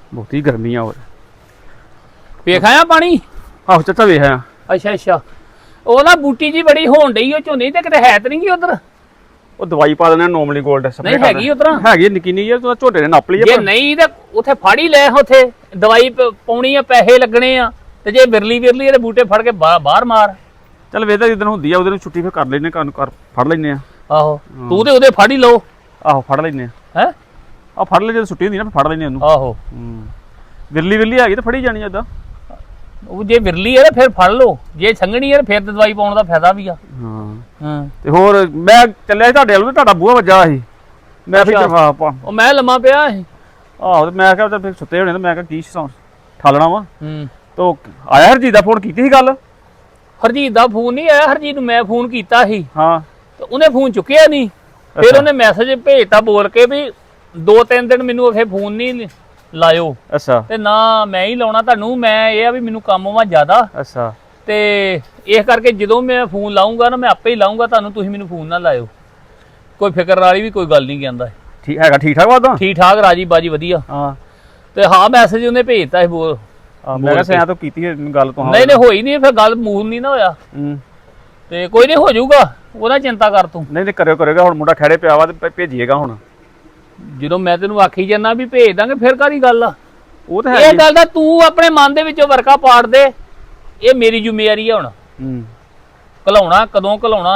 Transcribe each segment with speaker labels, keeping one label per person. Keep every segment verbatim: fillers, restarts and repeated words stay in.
Speaker 1: ਬਹੁਤੀ ਗਰਮੀ ਆ। ਹੋਰ
Speaker 2: ਵੇਖ ਆਇਆ ਪਾਣੀ?
Speaker 1: ਆਹੋ ਚਾਚਾ ਵੇਖਿਆ।
Speaker 2: ਅੱਛਾ ਅੱਛਾ ਉਹ ਨਾ ਬੂਟੀ ਜੀ ਬੜੀ ਹੋਣ ਡਈ ਉਹ ਝੋਨੇ ਤੇ ਕਿਤੇ ਹੈ ਤੇ ਨਹੀਂ ਗੀ ਉਧਰ?
Speaker 1: ਉਹ ਦਵਾਈ ਪਾ ਦਿੰਦੇ ਨੋਰਮਲੀ ਗੋਲਡ
Speaker 2: ਨਹੀਂ ਹੈਗੀ ਉਧਰ?
Speaker 1: ਹੈਗੀ ਨਿੱਕੀ ਨਹੀਂ ਯਾਰ, ਝੋਟੇ ਨੇ ਨੱਪ ਲਈ।
Speaker 2: ਜੇ ਨਹੀਂ ਤੇ ਉੱਥੇ ਫੜ ਹੀ ਲੈ ਉੱਥੇ ਦਵਾਈ ਪਾਉਣੀ ਆ, ਪੈਸੇ ਲੱਗਣੇ ਆ, ਤੇ ਜੇ ਬਿਰਲੀ ਬਿਰਲੀ ਇਹਦੇ ਬੂਟੇ ਫੜ ਕੇ ਬਾਹਰ ਮਾਰ।
Speaker 1: ਚੱਲ ਵੇਦਾ ਜਿੱਦਣ ਹੁੰਦੀ ਆ ਉਹਦੇ ਨੂੰ ਛੁੱਟੀ ਫਿਰ ਕਰ ਲੈਨੇ, ਕੰਨ ਕਰ ਫੜ ਲੈਨੇ ਆ।
Speaker 2: ਆਹੋ ਤੂੰ ਤੇ ਉਹਦੇ ਫੜ ਹੀ ਲਓ।
Speaker 1: ਆਹੋ ਫੜ ਲੈਨੇ ਆ।
Speaker 2: ਹੈ
Speaker 1: ਆ ਫੜ ਲੈ, ਜਦੋਂ ਛੁੱਟੀ ਹੁੰਦੀ ਨਾ ਫੜ ਲੈਨੇ ਉਹਨੂੰ।
Speaker 2: ਆਹੋ
Speaker 1: ਹੂੰ ਵਿਰਲੀ ਵਿਰਲੀ ਹੈਗੀ ਤੇ ਫੜੀ ਜਾਣੀ ਏਦਾਂ।
Speaker 2: ਉਹ ਜੇ ਵਿਰਲੀ ਹੈ ਫਿਰ ਫੜ ਲਓ, ਜੇ ਸੰਘਣੀ ਹੈ ਫਿਰ ਦਵਾਈ ਪਾਉਣ ਦਾ ਫਾਇਦਾ ਵੀ ਆ।
Speaker 1: ਹਾਂ
Speaker 2: ਹਾਂ
Speaker 1: ਤੇ ਹੋਰ ਮੈਂ ਚੱਲਿਆ ਸੀ ਤੁਹਾਡੇ ਵੱਲ ਤੇ ਤੁਹਾਡਾ ਬੂਹਾ ਵੱਜਾ ਸੀ। ਮੈਂ ਫਿਰ
Speaker 2: ਉਹ ਮੈਂ ਲੰਮਾ ਪਿਆ ਸੀ।
Speaker 1: ਆਹੋ ਤੇ ਮੈਂ ਕਿਹਾ ਫਿਰ ਸੁੱਤੇ ਹੋਣੇ ਤੇ ਮੈਂ ਕਿਹਾ ਕੀ ਠਾਲਣਾ ਵਾ।
Speaker 2: ਹੂੰ
Speaker 1: ਤੋ ਆਇਆ ਹਰਜੀਤ ਦਾ ਫੋਨ ਕੀਤੀ ਸੀ ਗੱਲ?
Speaker 2: ਹਰਜੀਤ ਦਾ ਫੋਨ ਨਹੀਂ ਆਇਆ। ਹਰਜੀਤ ਨੂੰ ਮੈਂ ਫੋਨ ਕੀਤਾ ਸੀ।
Speaker 1: ਹਾਂ
Speaker 2: ਤੇ ਉਹਨੇ ਫੋਨ ਚੁੱਕਿਆ ਨਹੀਂ। ਫਿਰ ਉਹਨੇ ਮੈਸੇਜ ਭੇਜਤਾ ਬੋਲ ਕੇ ਵੀ ਦੋ ਤਿੰਨ ਦਿਨ ਮੈਨੂੰ ਉਥੇ ਫੋਨ ਨਹੀਂ ਲਾਇਓ।
Speaker 1: ਅੱਛਾ
Speaker 2: ਤੇ ਨਾ ਮੈਂ ਹੀ ਲਾਉਣਾ ਤੁਹਾਨੂੰ, ਮੈਂ ਇਹ ਆ ਵੀ ਮੈਨੂੰ ਕੰਮ ਵਾ ਜ਼ਿਆਦਾ।
Speaker 1: ਅੱਛਾ
Speaker 2: ਤੇ ਇਸ ਕਰਕੇ ਜਦੋਂ ਮੈਂ ਫੋਨ ਲਾਉਂਗਾ ਨਾ ਮੈਂ ਆਪੇ ਹੀ ਲਾਉਂਗਾ ਤੁਹਾਨੂੰ, ਤੁਸੀਂ ਮੈਨੂੰ ਫੋਨ ਨਾ ਲਾਇਓ। ਕੋਈ ਫਿਕਰ ਵਾਲੀ ਵੀ ਕੋਈ ਗੱਲ ਨਹੀਂ ਕਹਿੰਦਾ।
Speaker 1: ਠੀਕ ਹੈਗਾ? ਠੀਕ ਠਾਕ ਵਾਦਾ?
Speaker 2: ਠੀਕ ਠਾਕ ਰਾਜੀ ਬਾਜੀ ਵਧੀਆ।
Speaker 1: ਹਾਂ
Speaker 2: ਤੇ ਹਾਂ ਮੈਸੇਜ ਉਹਨੇ ਭੇਜਤਾ ਸੀ ਬੋਲ।
Speaker 1: ਮੈਂ ਕਿਹਾ ਸਿਆ ਤੋਂ ਕੀਤੀ ਗੱਲ ਤੋਂ?
Speaker 2: ਨਹੀਂ ਨਹੀਂ ਹੋਈ ਨਹੀਂ, ਫਿਰ ਗੱਲ ਮੂਲ ਨਹੀਂ ਨਾ ਹੋਇਆ।
Speaker 1: ਹੂੰ
Speaker 2: ਤੇ ਕੋਈ ਨਹੀਂ ਹੋ ਜਾਊਗਾ, ਉਹਦਾ ਚਿੰਤਾ ਕਰ ਤੂੰ।
Speaker 1: ਨਹੀਂ ਨਹੀਂ ਕਰਿਓ ਕਰੇਗਾ। ਹੁਣ ਮੁੰਡਾ ਖੜੇ ਪਿਆ ਵਾ ਤੇ ਭੇਜੀਏਗਾ ਹੁਣ।
Speaker 2: ਜਦੋਂ ਮੈਂ ਤੈਨੂੰ ਆਖੀ ਜਾਂਦਾ ਵੀ ਭੇਜ ਦਾਂਗੇ ਫਿਰ ਕਾਹਦੀ ਗੱਲ ਆ?
Speaker 1: ਉਹ ਤਾਂ ਹੈ
Speaker 2: ਇਹ ਗੱਲ ਦਾ ਤੂੰ ਆਪਣੇ ਮਨ ਦੇ ਵਿੱਚੋਂ ਵਰਕਾ ਪਾੜ ਦੇ। ਇਹ ਮੇਰੀ ਜ਼ਿੰਮੇਵਾਰੀ ਆ ਹੁਣ।
Speaker 1: ਹੂੰ
Speaker 2: ਘਲਾਉਣਾ ਕਦੋਂ ਘਲਾਉਣਾ,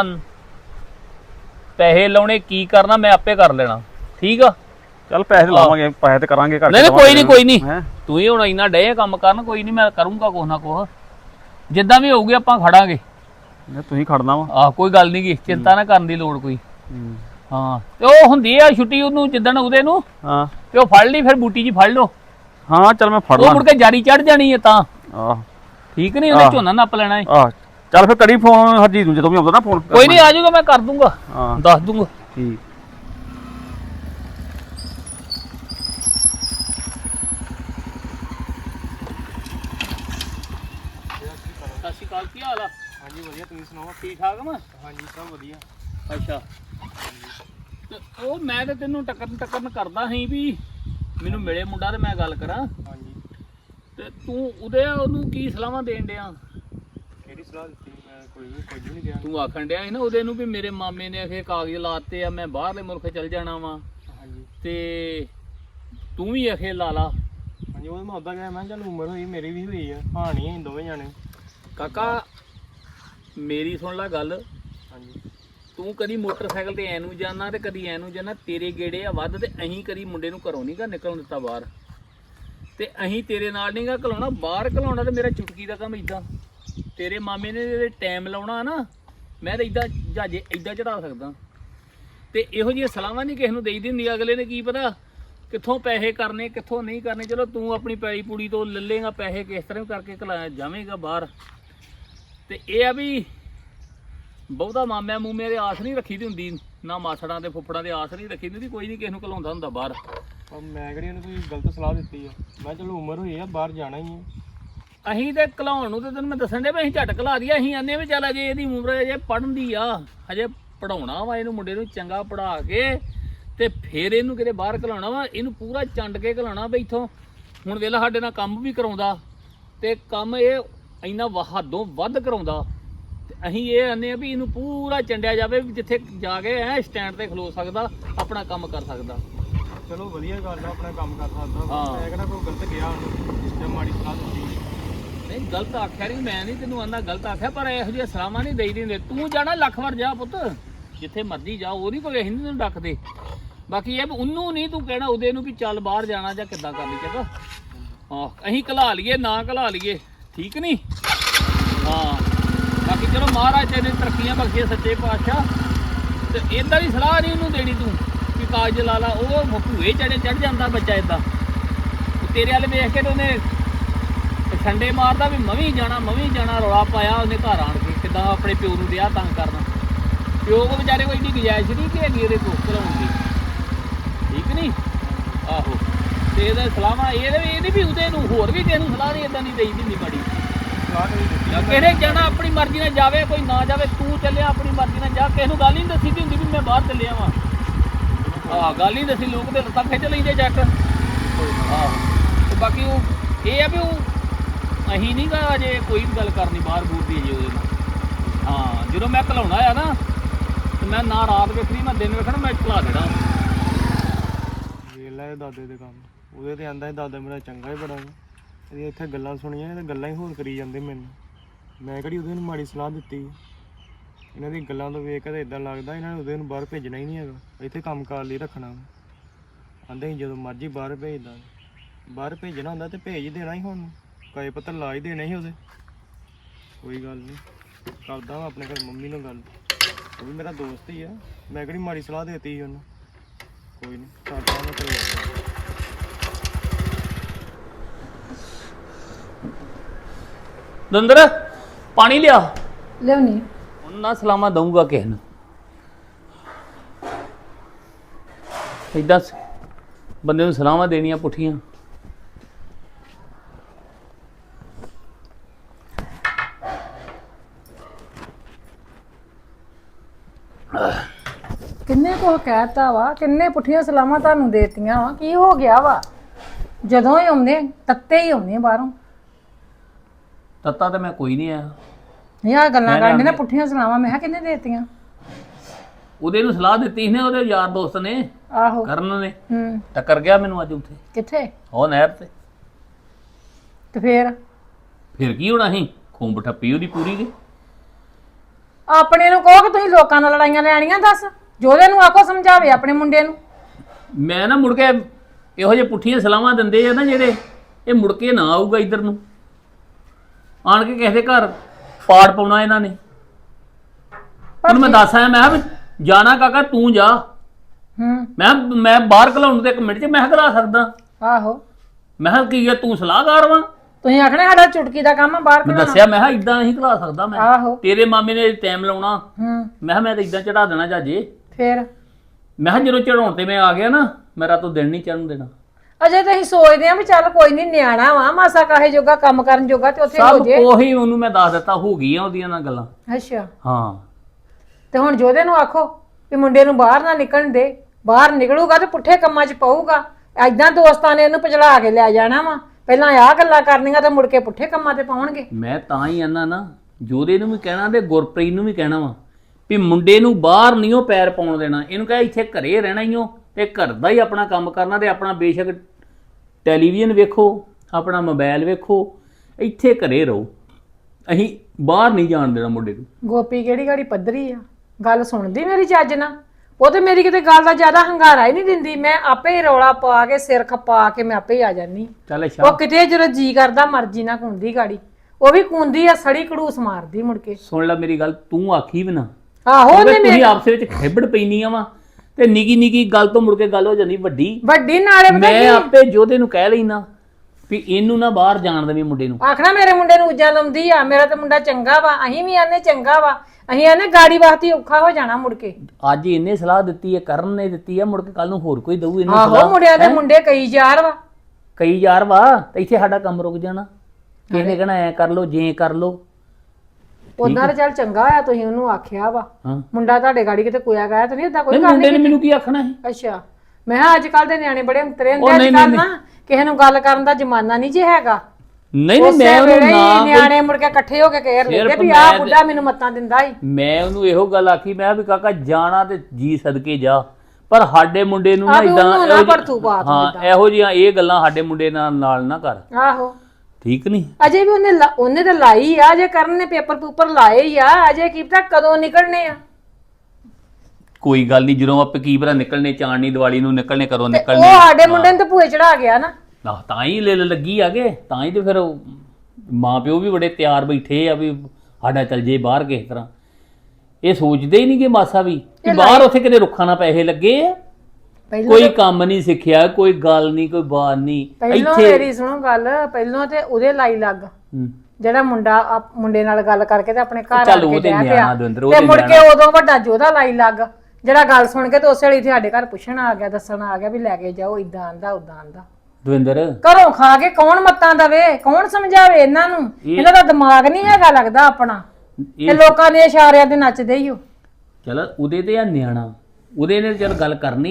Speaker 2: ਪੈਸੇ ਲਾਉਣੇ ਕੀ ਕਰਨਾ ਮੈਂ ਆਪੇ ਕਰ ਲੈਣਾ। ਠੀਕ ਆ
Speaker 1: ਚੱਲ ਪੈਸੇ ਲਾਵਾਂਗੇ, ਪੈਸੇ ਤੇ ਕਰਾਂਗੇ ਘਰ।
Speaker 2: ਨਹੀਂ ਨਹੀਂ ਕੋਈ ਨਹੀਂ ਕੋਈ ਨਹੀਂ, ਤੂੰ ਹੀ ਹੁਣ ਇੰਨਾ ਡੇ ਕੰਮ ਕਰਨ। ਕੋਈ ਨਹੀਂ ਮੈਂ ਕਰੂੰਗਾ ਕੁਛ ਨਾ ਕੁਛ, ਜਿੱਦਾਂ ਵੀ ਹੋਊਗੀ ਆਪਾਂ ਖੜਾਂਗੇ।
Speaker 1: ਤੁਸੀਂ ਖੜਨਾ ਵਾ?
Speaker 2: ਆਹ ਕੋਈ ਗੱਲ ਨਹੀਂ ਗੀ, ਚਿੰਤਾ ਨਾ ਕਰਨ ਦੀ ਲੋੜ ਕੋਈ।
Speaker 1: ਹੂੰ
Speaker 2: ਹਾਂ ਤੇ ਉਹ ਹੁੰਦੀ ਆ ਛੁੱਟੀ ਉਹਨੂੰ ਜਿੱਦਣ ਉਹਦੇ ਨੂੰ।
Speaker 1: ਹਾਂ
Speaker 2: ਤੇ ਉਹ ਫੜ ਲਈ ਫਿਰ ਬੂਟੀ ਜੀ ਫੜ ਲਓ।
Speaker 1: ਹਾਂ ਚੱਲ ਮੈਂ ਫੜ
Speaker 2: ਉਹ
Speaker 1: ਲਾਂ।
Speaker 2: ਮੁੜ ਕੇ ਜਾਰੀ ਚੜ ਜਾਣੀ ਹੈ ਤਾਂ।
Speaker 1: ਆਹ
Speaker 2: ਠੀਕ ਨਹੀਂ, ਉਹਨੇ ਝੋਨਾ ਨੱਪ ਲੈਣਾ ਹੈ।
Speaker 1: ਆਹ ਚੱਲ ਫਿਰ ਕਰੀ ਫੋਨ ਹਰਜੀਤ ਨੂੰ ਜਦੋਂ ਵੀ ਆਉਂਦਾ ਨਾ ਫੋਨ।
Speaker 2: ਕੋਈ ਨਹੀਂ ਆ ਜਾਊਗਾ, ਮੈਂ ਕਰ ਦੂੰਗਾ।
Speaker 1: ਹਾਂ
Speaker 2: ਦੱਸ ਦੂੰਗਾ।
Speaker 1: ਠੀਕ।
Speaker 2: ਸਤਿ ਸ਼੍ਰੀ ਅਕਾਲ, ਕੀ ਹਾਲ ਆ?
Speaker 1: ਹਾਂਜੀ ਵਧੀਆ, ਤੁਸੀਂ ਸੁਣਾਓ?
Speaker 2: ਠੀਕ ਠਾਕ ਵਾ?
Speaker 1: ਹਾਂਜੀ ਸਭ ਵਧੀਆ।
Speaker 2: ਅੱਛਾ ਤੇ ਉਹ ਮੈਂ ਤੇ ਤੈਨੂੰ ਟੱਕਰਨ ਟੱਕਰਨ ਕਰਦਾ ਸੀ ਵੀ ਮੈਨੂੰ ਮਿਲੇ ਮੁੰਡਾ ਤੇ ਮੈਂ ਗੱਲ ਕਰਾਂ।
Speaker 1: ਹਾਂਜੀ
Speaker 2: ਤੇ ਤੂੰ ਉਹਦੇ ਉਹਨੂੰ ਕੀ ਸਲਾਹਾਂ ਦੇਣ ਡਿਆ?
Speaker 1: ਕਿਹੜੀ ਸਲਾਹ ਦਿੱਤੀ? ਮੈਂ ਕੋਈ ਵੀ ਕੁਝ ਨਹੀਂ ਗਿਆ।
Speaker 2: ਤੂੰ ਆਖਣ ਡਿਆ ਸੀ ਨਾ ਉਹਦੇ ਨੂੰ ਵੀ ਮੇਰੇ ਮਾਮੇ ਨੇ ਆਖੇ ਕਾਗਜ਼ ਲਾਤੇ ਆ, ਮੈਂ ਬਾਹਰਲੇ ਮੁਲਕ ਚਲ ਜਾਣਾ ਵਾ।
Speaker 1: ਹਾਂਜੀ
Speaker 2: ਤੇ ਤੂੰ ਵੀ ਆਖੇ ਲਾ ਲਾ।
Speaker 1: ਹਾਂਜੀ ਉਹ ਮੈਂ ਉਦਾਂ ਗਿਆ, ਮੈਂ ਚੱਲ ਉਮਰ ਹੋਈ ਮੇਰੀ ਵੀ ਹੋਈ ਆ, ਹਾਣੀ ਅਸੀਂ ਦੋਵੇਂ ਜਾਣੇ।
Speaker 2: ਕਾਕਾ ਮੇਰੀ ਸੁਣ ਲੈ ਗੱਲ।
Speaker 1: ਹਾਂਜੀ
Speaker 2: ਤੂੰ ਕਦੀ ਮੋਟਰਸਾਈਕਲ ਤੇ ਐਨੂੰ ਜਾਣਾ ਤੇ ਕਦੀ ਐਨੂੰ ਜਾਣਾ, ਤੇਰੇ ਗੇੜੇ ਆ ਵੱਧ। ਤੇ ਅਸੀਂ ਕਦੀ ਮੁੰਡੇ ਨੂੰ ਘਰੋਂ ਨਹੀਂਗਾ ਨਿਕਲਣ ਦਿੱਤਾ ਬਾਹਰ, ਤੇ ਅਸੀਂ ਤੇਰੇ ਨਾਲ ਨਹੀਂਗਾ ਘਲਾਉਣਾ ਬਾਹਰ। ਘਲਾਉਣਾ ਤੇ ਮੇਰਾ ਚੁਟਕੀ ਦਾ ਕੰਮ। ਇਦਾਂ ਤੇਰੇ ਮਾਮੇ ਨੇ ਜਿਹੜੇ ਟਾਈਮ ਲਾਉਣਾ ਨਾ, ਮੈਂ ਤਾਂ ਇਦਾਂ ਜਹਾਜੇ ਇਦਾਂ ਚੜਾ ਸਕਦਾ। ਤੇ ਇਹੋ ਜਿਹੀਆਂ ਸਲਾਹਾਂ ਨਹੀਂ ਕਿਸੇ ਨੂੰ ਦੇਈ ਦੀ ਹੁੰਦੀ। ਅਗਲੇ ਨੇ ਕੀ ਪਤਾ ਕਿੱਥੋਂ ਪੈਸੇ ਕਰਨੇ ਕਿੱਥੋਂ ਨਹੀਂ ਕਰਨੇ। ਚਲੋ ਤੂੰ ਆਪਣੀ ਪੈਲੀ ਪੂੜੀ ਤੋਂ ਲੈ ਲੇਗਾ ਪੈਸੇ, ਕਿਸ ਤਰ੍ਹਾਂ ਕਰਕੇ ਘਲਾ ਜਾਵੇਂਗਾ ਬਾਹਰ। ਤੇ ਇਹ ਆ ਵੀ ਬਹੁਤਾ ਮਾਮਿਆਂ ਮੂਮਿਆਂ ਦੇ ਆਸ ਨਹੀਂ ਰੱਖੀ ਦੀ ਹੁੰਦੀ, ਨਾ ਮਾਸੜਾਂ ਦੇ ਫੁੱਫੜਾਂ ਦੇ ਆਸ ਨਹੀਂ ਰੱਖੀ ਦੀ ਹੁੰਦੀ। ਕੋਈ ਨਹੀਂ ਕਿਸੇ ਨੂੰ ਘਲਾਉਂਦਾ ਹੁੰਦਾ ਬਾਹਰ।
Speaker 1: ਮੈਂ ਕਿਹੜੀ ਉਹਨੂੰ ਕੋਈ ਗਲਤ ਸਲਾਹ ਦਿੱਤੀ ਆ? ਮੈਂ ਚਲੋ ਉਮਰ ਹੋਈ ਆ, ਬਾਹਰ ਜਾਣਾ ਹੀ ਆ।
Speaker 2: ਅਸੀਂ ਤੇ ਘਲਾਉਣ ਨੂੰ ਤੇ ਤੈਨੂੰ ਮੈਂ ਦੱਸਣ ਦੇ ਵੀ ਅਸੀਂ ਝਟ ਘਲਾ ਦਈਏ। ਅਸੀਂ ਆਨੇ ਵੀ ਚੱਲ ਅਜੇ ਇਹਦੀ ਉਮਰ ਅਜੇ ਪੜ੍ਹਨ ਦੀ ਆ, ਹਜੇ ਪੜਾਉਣਾ ਵਾ ਇਹਨੂੰ, ਮੁੰਡੇ ਨੂੰ ਚੰਗਾ ਪੜ੍ਹਾ ਕੇ ਤੇ ਫਿਰ ਇਹਨੂੰ ਕਿਤੇ ਬਾਹਰ ਘਲਾਉਣਾ ਵਾ। ਇਹਨੂੰ ਪੂਰਾ ਚੰਡ ਕੇ ਘਲਾਉਣਾ ਬਈ ਇੱਥੋਂ। ਹੁਣ ਵੇਲਾ ਸਾਡੇ ਨਾਲ ਕੰਮ ਵੀ ਕਰਾਉਂਦਾ ਤੇ ਕੰਮ ਇਹ ਇੰਨਾ ਹੱਦੋਂ ਵੱਧ ਕਰਾਉਂਦਾ। ਤੇ ਅਸੀਂ ਇਹ ਆਨੇ ਆ ਵੀ ਇਹਨੂੰ ਪੂਰਾ ਚੰਡਿਆ ਜਾਵੇ, ਜਿੱਥੇ ਜਾ ਕੇ ਐ ਸਟੈਂਡ ਤੇ ਖਲੋ ਸਕਦਾ, ਆਪਣਾ ਕੰਮ ਕਰ ਸਕਦਾ।
Speaker 1: ਚਲੋ ਵਧੀਆ ਗੱਲ ਆ, ਆਪਣਾ ਕੰਮ ਕਰ ਸਕਦਾ।
Speaker 2: ਹਾਂ
Speaker 1: ਮੈਂ ਕਿਹੜਾ ਕੋਈ ਗਲਤ ਗਿਆ ਉਹਨੂੰ, ਜਿਸ ਮਾੜੀ ਸਲਾਹ ਦਿੱਤੀ।
Speaker 2: ਨਹੀਂ ਗਲਤ ਆਖਿਆ ਨਹੀਂ, ਮੈਂ ਨਹੀਂ ਤੈਨੂੰ ਆਂਦਾ ਗਲਤ ਆਖਿਆ, ਪਰ ਇਹੋ ਜਿਹੀਆਂ ਸਲਾਹਾਂ ਨਹੀਂ ਦੇਈ ਦਿੰਦੇ। ਤੂੰ ਜਾਣਾ ਲੱਖ ਵਾਰ ਜਾ ਪੁੱਤ, ਜਿੱਥੇ ਮਰਜ਼ੀ ਜਾ, ਉਹ ਨਹੀਂ ਕੋਈ ਅਸੀਂ ਨਹੀਂ ਤੈਨੂੰ ਡੱਕਦੇ। ਬਾਕੀ ਇਹ ਵੀ ਉਹਨੂੰ ਨਹੀਂ ਤੂੰ ਕਹਿਣਾ ਉਹਦੇ ਨੂੰ ਵੀ ਚੱਲ ਬਾਹਰ ਜਾਣਾ ਜਾਂ ਕਿੱਦਾਂ ਕਰਨੀ। ਚੰਗਾ ਹਾਂ ਅਸੀਂ ਘਲਾ ਲਈਏ ਨਾ ਘਲਾ ਲਈਏ, ਠੀਕ ਨਹੀਂ? ਹਾਂ ਬਾਕੀ ਚਲੋ ਮਹਾਰਾਜ ਤੇਰੇ ਤਰੱਕੀਆਂ ਬਖਸ਼ੇ ਸੱਚੇ ਪਾਤਸ਼ਾਹ। ਤੇ ਇੱਦਾਂ ਦੀ ਸਲਾਹ ਨਹੀਂ ਉਹਨੂੰ ਦੇਣੀ ਤੂੰ ਕਿ ਕਾਗਜ਼ ਲਾ ਲਾ। ਉਹ ਭੂਏ ਚੜੇ ਚੜ ਜਾਂਦਾ ਬੱਚਾ ਇੱਦਾਂ। ਤੇਰੇ ਵਾਲੇ ਵੇਖ ਕੇ ਤੇ ਉਹਨੇ ਠੰਡੇ ਮਾਰਦਾ ਵੀ ਮੈਂ ਵੀ ਜਾਣਾ ਮੈਂ ਵੀ ਜਾਣਾ। ਰੌਲਾ ਪਾਇਆ ਉਹਨੇ ਘਰ ਆਣ ਕੇ, ਕਿੱਦਾਂ ਆਪਣੇ ਪਿਓ ਨੂੰ ਰਿਹਾ ਤੰਗ ਕਰਨਾ। ਪਿਓ ਕੋ ਵਿਚਾਰੇ ਕੋਈ ਇੰਨੀ ਗੁਜਾਇਸ਼ ਨਹੀਂ ਕਿ ਹੈਗੀ ਉਹਦੇ ਕੋਲ ਘਲਾਉਣ ਦੀ, ਠੀਕ ਨਹੀਂ? ਆਹੋ ਤੇ ਇਹਦਾ ਸਲਾਹਾਂ ਇਹਦੇ ਵੀ ਇਹਦੀ ਵੀ ਉਹਦੇ ਨੂੰ ਹੋਰ ਵੀ ਕਿਸੇ ਨੂੰ ਸਲਾਹ ਨਹੀਂ ਇੱਦਾਂ ਨਹੀਂ ਦੇਈ ਦਿੰਦੀ ਮਾੜੀ। ਕਿਹੜੇ ਜਾਣਾ ਆਪਣੀ ਮਰਜ਼ੀ ਨਾਲ ਜਾਵੇ, ਕੋਈ ਨਾ ਜਾਵੇ। ਤੂੰ ਚੱਲਿਆ ਆਪਣੀ ਮਰਜ਼ੀ ਨਾਲ ਜਾ, ਕਿਸੇ ਨੂੰ ਗੱਲ ਨਹੀਂ ਦੱਸੀ ਦੀ ਹੁੰਦੀ ਵੀ ਮੈਂ ਬਾਹਰ ਚੱਲਿਆ ਵਾਂ। ਆਹ ਗੱਲ ਨਹੀਂ ਦੱਸੀ, ਲੋਕ ਤੇ ਲੱਤਾਂ ਖਿੱਚ ਲੈਂਦੇ ਜੱਟ। ਆਹੋ ਤੇ ਬਾਕੀ ਉਹ ਇਹ ਆ ਵੀ ਉਹ ਅਸੀਂ ਨਹੀਂ ਗਾ ਅਜੇ ਕੋਈ ਵੀ ਗੱਲ ਕਰਨੀ ਬਾਹਰ ਬੂਰ ਦੀ ਅਜੇ ਉਹਦੇ ਨਾਲ। ਹਾਂ ਜਦੋਂ ਮੈਂ ਘਲਾਉਣਾ ਆ ਨਾ ਤੇ ਮੈਂ ਨਾ ਰਾਤ ਵੇਖਣੀ ਨਾ ਦਿਨ ਵੇਖਣਾ, ਮੈਂ ਘਲਾ ਦੇਣਾ।
Speaker 1: ਵੇਖ ਲੈ ਇਹ ਦਾਦੇ ਦੇ ਕੰਮ, ਉਹਦੇ ਤੇ ਆਂਦਾ ਦਾਦਾ ਮੇਰਾ ਚੰਗਾ ਹੀ ਬੜਾ ਵਾ। ਇਹਦੀਆਂ ਇੱਥੇ ਗੱਲਾਂ ਸੁਣੀਆਂ ਇਹ ਤਾਂ ਗੱਲਾਂ ਹੀ ਹੋਰ ਕਰੀ ਜਾਂਦੇ ਮੈਨੂੰ। ਮੈਂ ਕਿਹੜੀ ਉਹਦੇ ਨੂੰ ਮਾੜੀ ਸਲਾਹ ਦਿੱਤੀ। ਇਹਨਾਂ ਦੀ ਗੱਲਾਂ ਤੋਂ ਵੇਖ ਕੇ ਤਾਂ ਇਦਾਂ ਲੱਗਦਾ ਇਹਨਾਂ ਨੇ ਉਹਦੇ ਨੂੰ ਬਾਹਰ ਭੇਜਣਾ ਹੀ ਨਹੀਂ ਹੈਗਾ, ਇੱਥੇ ਕੰਮ ਕਾਰ ਲਈ ਰੱਖਣਾ। ਆਂਦੇ ਸੀ ਜਦੋਂ ਮਰਜ਼ੀ ਬਾਹਰ ਭੇਜਦਾ, ਬਾਹਰ ਭੇਜਣਾ ਹੁੰਦਾ ਤੇ ਭੇਜ ਹੀ ਦੇਣਾ ਹੀ। ਹੁਣ ਕਾਏ ਪਤਾ ਲਾ ਹੀ ਦੇਣੇ ਸੀ ਉਹਦੇ। ਕੋਈ ਗੱਲ ਨਹੀਂ, ਕਰਦਾ ਮੈਂ ਆਪਣੇ ਘਰ ਮੰਮੀ ਨਾਲ ਗੱਲ, ਉਹ ਵੀ ਮੇਰਾ ਦੋਸਤ ਹੀ ਆ। ਮੈਂ ਕਿਹੜੀ ਮਾੜੀ ਸਲਾਹ ਦੇਤੀ ਸੀ ਉਹਨੂੰ। ਕੋਈ ਨਹੀਂ, ਕਰਦਾ ਮੈਂ ਘਰੇ।
Speaker 2: ਦੰਦਰ ਪਾਣੀ ਲਿਆ
Speaker 3: ਲਿਆਉਣੀ
Speaker 2: ਉਹਨਾਂ ਸਲਾਮਾਂ ਦਊਂਗਾ ਕਿਸੇ ਨੂੰ। ਏਦਾਂ ਬੰਦੇ ਨੂੰ ਸਲਾਮਾਂ ਦੇਣੀਆਂ ਪੁੱਠੀਆਂ।
Speaker 3: ਕਿੰਨੇ ਕੋ ਕਹਿਤਾ ਵਾ, ਕਿੰਨੇ ਪੁੱਠੀਆਂ ਸਲਾਮਾਂ ਤੁਹਾਨੂੰ ਦੇਤੀਆਂ ਵਾ। ਕੀ ਹੋ ਗਿਆ ਵਾ? ਜਦੋਂ ਹੀ ਆਉਂਦੇ ਤੱਤੇ ਹੀ ਆਉਂਦੇ ਬਾਹਰੋਂ।
Speaker 2: ਤੱਤਾ ਤਾਂ ਮੈਂ ਕੋਈ ਨਹੀਂ ਆਇਆ।
Speaker 3: ਇਹ ਆ ਗੱਲਾਂ
Speaker 2: ਮੈਂ
Speaker 3: ਕਰਦੇ ਨੇ
Speaker 2: ਜਾਣਦੀ-
Speaker 3: ਪੁੱਠੀਆਂ ਸਲਾਮਾਂ। ਮੈਂ ਕਿਹਾ ਕਿੰਨੇ ਦੇਤੀਆਂ?
Speaker 2: ਉਹਦੇ ਨੂੰ ਸਲਾਹ ਦਿੱਤੀ ਸੀ ਨੇ ਉਹਦੇ ਯਾਰ ਦੋਸਤ ਨੇ,
Speaker 3: ਆਹੋ।
Speaker 2: ਕਰਨ ਨੇ।
Speaker 3: ਹੂੰ।
Speaker 2: ਟੱਕਰ ਗਿਆ ਮੈਨੂੰ ਅੱਜ ਉੱਥੇ
Speaker 3: ਕਿੱਥੇ?
Speaker 2: ਉਹ ਨਹਿਰ ਤੇ।
Speaker 3: ਤੇ ਫੇਰ
Speaker 2: ਫਿਰ ਕੀ ਹੋਣਾ ਸੀ? ਖੂੰਬ ਠੱਪੀ ਉਹਦੀ ਪੂਰੀ ਦੀ।
Speaker 3: ਆਪਣੇ ਨੂੰ ਕਹੋ ਕਿ ਤੁਸੀਂ ਲੋਕਾਂ ਨਾਲ ਲੜਾਈਆਂ ਲੈਣੀਆਂ। ਦੱਸ, ਜੋਦੇ ਨੂੰ ਆਖੋ ਸਮਝਾਵੇ ਆਪਣੇ ਮੁੰਡੇ ਨੂੰ।
Speaker 2: ਮੈਂ ਨਾ ਮੁੜ ਕੇ ਇਹੋ ਜਿਹੇ ਪੁੱਠੀਆਂ ਸਲਾਹਾਂ ਦਿੰਦੇ ਆ ਨਾ ਜਿਹੜੇ, ਇਹ ਮੁੜ ਕੇ ਨਾ ਆਊਗਾ ਇੱਧਰ ਨੂੰ ਆਣ ਕੇ ਕਿਸੇ ਦੇ ਘਰ ਪਾੜ ਪਾਉਣਾ ਇਹਨਾਂ ਨੇ। ਹੁਣ ਮੈਂ ਦੱਸ ਆਇਆ, ਮੈਂ ਕਿਹਾ ਵੀ ਜਾਣਾ ਕਾਕਾ ਤੂੰ ਜਾ।
Speaker 3: ਹੂੰ।
Speaker 2: ਮੈਂ ਕਿਹਾ ਮੈਂ ਬਾਹਰ ਘਲਾਉਣ ਤੇ ਇੱਕ ਮਿੰਟ 'ਚ ਮੈਂ ਘਲਾ ਸਕਦਾ।
Speaker 3: ਆਹੋ।
Speaker 2: ਮੈਂ ਕਿਹਾ ਕੀ ਆ ਤੂੰ ਸਲਾਹਕਾਰ ਵਾਂ?
Speaker 3: ਤੁਸੀਂ ਆਖਣਾ ਸਾਡਾ ਚੁਟਕੀ ਦਾ ਕੰਮ ਆ ਬਾਹਰ
Speaker 2: ਮੈਂ
Speaker 3: ਘਲਾਉਣਾ।
Speaker 2: ਦੱਸਿਆ ਮੈਂ ਕਿਹਾ ਇਦਾਂ ਹੀ ਘਲਾ ਸਕਦਾ ਮੈਂ।
Speaker 3: ਆਹੋ।
Speaker 2: ਤੇਰੇ ਮਾਮੇ ਨੇ ਟਾਈਮ ਲਾਉਣਾ।
Speaker 3: ਹੂੰ।
Speaker 2: ਮੈਂ ਕਿਹਾ ਮੈਂ ਤਾਂ ਇਦਾਂ ਚੜਾ ਦੇਣਾ ਜਾਜੇ।
Speaker 3: ਫੇਰ
Speaker 2: ਮੈਂ ਕਿਹਾ ਜਦੋਂ ਚੜਾਉਣ ਤੇ ਮੈਂ ਆ ਗਿਆ ਨਾ, ਮੇਰਾ ਤੋਂ ਦਿਨ ਨਹੀਂ ਚੜਨ ਦੇਣਾ।
Speaker 3: ਅਜੇ ਤਾਂ ਅਸੀਂ ਸੋਚਦੇ ਆ ਵੀ ਚੱਲ ਕੋਈ ਨਹੀਂ, ਨਿਆਣਾ ਵਾ ਮਾਸਾ ਕਾਹੇ ਜੋਗਾ ਕੰਮ ਕਰਨ ਜੋਗਾ ਤੇ ਉੱਥੇ ਹੋ
Speaker 2: ਸਭ
Speaker 3: ਜੇ।
Speaker 2: ਉਹੀ ਉਹਨੂੰ ਮੈਂ ਦੱਸ ਦਿੱਤਾ, ਹੋ ਗਈਆਂ ਉਹਦੀਆਂ ਨਾਲ ਗੱਲਾਂ।
Speaker 3: ਅੱਛਾ।
Speaker 2: ਹਾਂ
Speaker 3: ਤੇ ਹੁਣ ਜੋਦੇ ਨੂੰ ਆਖੋ ਵੀ ਮੁੰਡੇ ਨੂੰ ਬਾਹਰ ਨਾ ਨਿਕਲਣ ਦੇ। ਬਾਹਰ ਨਿਕਲੂਗਾ ਤੇ ਪੁੱਠੇ ਕੰਮਾਂ 'ਚ ਪਊਗਾ। ਐਦਾਂ ਦੋਸਤਾਂ ਨੇ ਇਹਨੂੰ ਭਜਲਾ ਕੇ ਲੈ ਜਾਣਾ ਵਾ। ਪਹਿਲਾਂ ਆਹ ਗੱਲਾਂ ਕਰਨੀਆਂ ਤੇ ਮੁੜ ਕੇ ਪੁੱਠੇ ਕੰਮਾਂ ਤੇ ਪਾਉਣਗੇ।
Speaker 2: ਮੈਂ ਤਾਂ ਹੀ ਆਨਾ ਨਾ, ਜੋਦੇ ਨੂੰ ਵੀ ਕਹਿਣਾ ਤੇ ਗੁਰਪ੍ਰੀਤ ਨੂੰ ਵੀ ਕਹਿਣਾ ਵਾ ਵੀ ਮੁੰਡੇ ਨੂੰ ਬਾਹਰ ਨਹੀਂ ਉਹ ਪੈਰ ਪਾਉਣ ਦੇਣਾ। ਇਹਨੂੰ ਕਹੇ ਇੱਥੇ ਘਰੇ ਰਹਿਣਾ ਹੀ ਉਹ ਤੇ ਘਰ ਦਾ ਹੀ ਆਪਣਾ ਕੰਮ ਕਰਨਾ ਤੇ ਆਪਣਾ ਬੇਸ਼ੱਕ ਟੈਲੀਵਿਜ਼ਨ ਵੇਖੋ, ਆਪਣਾ ਮੋਬਾਈਲ ਵੇਖੋ, ਇੱਥੇ ਘਰੇ ਰਹੋ। ਅਸੀਂ ਬਾਹਰ ਨਹੀਂ ਜਾਣ ਦੇਣਾ ਮੁੰਡੇ ਨੂੰ।
Speaker 3: ਗੋਪੀ ਕਿਹੜੀ ਗਾੜੀ ਪੱਧਰੀ ਆ, ਗੱਲ ਸੁਣਦੀ ਮੇਰੀ ਚੱਜ ਨਾਲ। ਉਹ ਤੇ ਮੇਰੀ ਕਿਤੇ ਗੱਲ ਦਾ ਜ਼ਿਆਦਾ ਹੰਗਾਰਾ ਹੀ ਨਹੀਂ ਦਿੰਦੀ। ਮੈਂ ਆਪੇ ਹੀ ਰੌਲਾ ਪਾ ਕੇ ਸਿਰ ਖਪਾ ਕੇ ਮੈਂ ਆਪੇ ਹੀ ਆ ਜਾਨੀ।
Speaker 2: ਚੱਲ
Speaker 3: ਉਹ
Speaker 2: ਅੱਛਾ
Speaker 3: ਕਿਤੇ ਜਦੋਂ ਜੀ ਕਰਦਾ ਮਰਜ਼ੀ ਨਾਲ ਕੁੰਦੀ ਗਾੜੀ। ਉਹ ਵੀ ਕੁੰਦੀ ਆ, ਸੜੀ ਕੜੂਸ ਮਾਰਦੀ ਮੁੜ ਕੇ।
Speaker 2: ਸੁਣ ਲੈ ਮੇਰੀ ਗੱਲ, ਤੂੰ ਆਖੀ ਵੀ ਨਾ।
Speaker 3: ਆਹੋ ਉਹਨੇ
Speaker 2: ਤੁਸੀਂ
Speaker 3: ਮੇਰੇ
Speaker 2: ਆਪਸ ਵਿੱਚ ਖੇਬੜ ਪੈਂਦੀਆਂ ਵਾ ਤੇ ਨਿੱਕੀ ਨਿੱਕੀ ਗੱਲ ਤੋਂ ਮੁੜ ਕੇ ਗੱਲ ਹੋ ਜਾਂਦੀ ਵੱਡੀ।
Speaker 3: ਵੱਡੀ ਨਾਲੇ ਪਤਾ
Speaker 2: ਮੈਂ
Speaker 3: ਕੀ
Speaker 2: ਆਪੇ ਜੋਦੇ ਨੂੰ ਕਹਿ ਲੈਣਾ ਵੀ ਇਹਨੂੰ ਨਾ ਬਾਹਰ ਜਾਣ ਦੇਵੀਂ ਮੁੰਡੇ ਨੂੰ।
Speaker 3: ਆਖਣਾ ਮੇਰੇ ਮੁੰਡੇ ਨੂੰ ਉੱਜਾ ਲਾਉਂਦੀ ਆ। ਮੇਰਾ ਤਾਂ ਮੁੰਡਾ ਚੰਗਾ ਵਾ। ਅਸੀਂ ਵੀ ਆਨੇ ਚੰਗਾ ਵਾ। ਅਸੀਂ ਆਨੇ ਗਾੜੀ ਵਾਸਤੇ ਔਖਾ ਹੋ ਜਾਣਾ ਮੁੜ ਕੇ।
Speaker 2: ਅੱਜ ਇਹਨੇ ਸਲਾਹ ਦਿੱਤੀ ਹੈ, ਕਰਨ ਨੇ ਦਿੱਤੀ ਹੈ, ਮੁੜ ਕੇ ਕੱਲ ਨੂੰ ਹੋਰ ਕੋਈ ਦਊ ਇਹਨੂੰ
Speaker 3: ਆਹੋ
Speaker 2: ਸਲਾਹ।
Speaker 3: ਮੁੰਡਿਆਂ ਦੇ ਮੁੰਡੇ ਕਈ ਯਾਰ ਵਾ।
Speaker 2: ਕਈ ਯਾਰ ਵਾ ਤੇ ਇੱਥੇ ਸਾਡਾ ਕੰਮ ਰੁਕ ਜਾਣਾ। ਕਿਸੇ ਨੇ ਕਹਿਣਾ ਐ ਕਰ ਲੋ, ਜੇ ਕਰ ਲੋ।
Speaker 3: ਉਹਨਾਂ ਦਾ ਚੱਲ ਚੰਗਾ ਹੋਇਆ ਤੁਸੀਂ ਉਹਨੂੰ ਆਖਿਆ ਵਾ।
Speaker 2: ਹਾਂ
Speaker 3: ਮੁੰਡਾ ਤੁਹਾਡੇ ਗਾੜੀ ਕਿਤੇ ਕੋਇਆ ਗਿਆ ਤਾਂ ਨਹੀਂ ਏਦਾਂ ਕੋਈ
Speaker 2: ਨਹੀਂ,
Speaker 3: ਗੱਲ
Speaker 2: ਮੁੰਡੇ ਨੇ
Speaker 3: ਨਹੀਂ।
Speaker 2: ਮੈਨੂੰ ਕੀ ਆਖਣਾ ਹੈ?
Speaker 3: ਅੱਛਾ। ਮੈਂ ਕਿਹਾ ਅੱਜ ਕੱਲ ਦੇ ਨਿਆਣੇ ਬੜੇ ਅੰਤਰੇ
Speaker 2: ਉਹ
Speaker 3: ਹੁੰਦੇ।
Speaker 2: ਨਹੀਂ,
Speaker 3: ਅੱਜ ਕੱਲ
Speaker 2: ਨਹੀਂ,
Speaker 3: ਨਾ ਕਿਸੇ ਨੂੰ ਗੱਲ ਕਰਨ ਦਾ ਜ਼ਮਾਨਾ ਨਹੀਂ ਜੇ ਹੈਗਾ।
Speaker 2: ਨਹੀਂ ਨਹੀਂ
Speaker 3: ਉਸੇ
Speaker 2: ਮੈਂ ਉਹਨੂੰ
Speaker 3: ਵੇਲੇ ਹੀ
Speaker 2: ਨਾ ਕੋਈ-
Speaker 3: ਨਿਆਣੇ ਮੁੜ ਕੇ ਇਕੱਠੇ ਹੋ ਕੇ ਕਹਿਰ ਲੈਂਦੇ
Speaker 2: ਸਿਰਫ
Speaker 3: ਵੀ
Speaker 2: ਮੈਂ
Speaker 3: ਆਹ
Speaker 2: ਤੇ-
Speaker 3: ਬੁੱਢਾ ਮੈਨੂੰ ਮੱਤਾਂ ਦਿੰਦਾ ਈ।
Speaker 2: ਮੈਂ ਉਹਨੂੰ ਇਹੋ ਗੱਲ ਆਖੀ, ਮੈਂ ਕਿਹਾ ਵੀ ਕਾਕਾ ਜਾਣਾ ਤੇ ਜੀ ਸਦਕੇ ਜਾ, ਪਰ ਸਾਡੇ ਮੁੰਡੇ ਨੂੰ ਨਾ
Speaker 3: ਆ ਵੀ
Speaker 2: ਇਦਾਂ
Speaker 3: ਉਹਨੂੰ ਨਾ ਭੜਥੂ ਪਾ ਤੂੰ
Speaker 2: ਹਾਂ ਇਹੋ ਜਿਹੀਆਂ ਇਹ ਗੱਲਾਂ ਸਾਡੇ ਮੁੰਡੇ ਨਾਲ ਨਾਲ ਨਾ ਕਰ।
Speaker 3: ਆਹੋ
Speaker 2: ਠੀਕ ਨਹੀਂ?
Speaker 3: ਅਜੇ ਵੀ ਉਹਨੇ ਲਾ- ਉਹਨੇ ਤਾਂ ਲਾਈ ਆ। ਅਜੇ ਕਰਨ ਨੇ ਪੇਪਰ ਪੂਪਰ ਲਾਏ ਹੀ ਆ। ਅਜੇ ਕੀ ਪਤਾ ਕਦੋਂ ਨਿਕਲਣੇ ਆ।
Speaker 2: ਕੋਈ ਗੱਲ ਨਹੀਂ, ਜਦੋਂ ਆਪੇ ਕੀ ਭਰਾ ਨਿਕਲਣੇ, ਚਾਣਨੀ ਦੀਵਾਲੀ ਨੂੰ ਨਿਕਲਣੇ, ਕਰੋ
Speaker 3: ਉਹ
Speaker 2: ਨਿਕਲਣੇ।
Speaker 3: ਸਾਡੇ ਮੁੰਡੇ ਨੂੰ ਤਾਂ ਭੂਏ ਚੜਾ ਗਿਆ ਨਾ।
Speaker 2: ਆਹ ਤਾਂ ਹੀ ਲੈ ਲੱਗੀ ਆਗੇ, ਤਾਂ ਹੀ ਤੇ ਫਿਰ ਉਹ ਮਾਂ ਪਿਓ ਵੀ ਬੜੇ ਤਿਆਰ ਬੈਠੇ ਆ ਵੀ ਸਾਡਾ ਚੱਲ ਜੇ ਬਾਹਰ ਕਿਸੇ ਤਰ੍ਹਾਂ। ਇਹ ਸੋਚਦੇ ਹੀ ਨਹੀਂ ਕਿ ਮਾਸਾ ਵੀ ਕਿ ਬਾਹਰ ਉੱਥੇ ਕਿਤੇ ਰੁੱਖਾਂ ਨਾਲ ਪੈਸੇ ਲੱਗੇ ਆ।
Speaker 3: ਪਹਿਲਾਂ
Speaker 2: ਕੋਈ ਕੰਮ ਨਹੀਂ ਸਿੱਖਿਆ, ਕੋਈ ਗੱਲ ਨਹੀਂ, ਕੋਈ ਬਾਤ ਨਹੀਂ।
Speaker 3: ਪਹਿਲਾਂ ਮੇਰੀ ਸੁਣੋ ਗੱਲ, ਪਹਿਲਾਂ ਤੇ ਉਹਦੇ ਲਾਈ ਲੱਗ
Speaker 2: ਹੂੰ।
Speaker 3: ਜਿਹੜਾ ਮੁੰਡਾ ਆਪ- ਮੁੰਡੇ ਨਾਲ ਗੱਲ ਕਰਕੇ ਤੇ ਆਪਣੇ ਘਰ
Speaker 2: ਚੱਲ
Speaker 3: ਆ ਕੇ
Speaker 2: ਉਹ ਤੇ
Speaker 3: ਬਹਿ
Speaker 2: ਨਿਆਣਾ
Speaker 3: ਪਿਆ
Speaker 2: ਦਵਿੰਦਰ, ਉਹ
Speaker 3: ਤੇ
Speaker 2: ਤੇ
Speaker 3: ਮੁੜ ਕੇ ਉਦੋਂ ਵੱਡਾ ਜੋਧਾ ਲਾਈ ਲੱਗ, ਜਿਹੜਾ ਗੱਲ ਸੁਣ ਕੇ ਤੇ ਉਸੇ ਵੇਲੇ ਇੱਥੇ ਸਾਡੇ ਘਰ ਪੁੱਛਣ ਆ ਗਿਆ, ਦੱਸਣ ਆ ਗਿਆ ਵੀ ਲੈ ਕੇ ਜਾਓ, ਇਦਾਂ ਆਂਦਾ ਉਦਾਂ ਆਂਦਾ।
Speaker 2: ਦਵਿੰਦਰ
Speaker 3: ਘਰੋਂ ਖਾ ਕੇ ਕੌਣ ਮੱਤਾਂ ਦਵੇ, ਕੌਣ ਸਮਝਾਵੇ ਇਹਨਾਂ ਨੂੰ? ਇਹਨਾਂ ਦਾ ਦਿਮਾਗ ਨਹੀਂ ਹੈਗਾ ਲੱਗਦਾ ਆਪਣਾ।
Speaker 2: ਇਹ
Speaker 3: ਤੇ ਲੋਕਾਂ ਦੇ ਇਸ਼ਾਰਿਆਂ ਤੇ ਨੱਚਦੇ ਹੀ ਹੋ।
Speaker 2: ਚਲ ਉਹਦੇ ਤੇ ਆ ਨਿਆਣਾ, ਉਹਦੇ ਨੇ ਚੱਲ ਗੱਲ ਕਰਨੀ ਸੀ,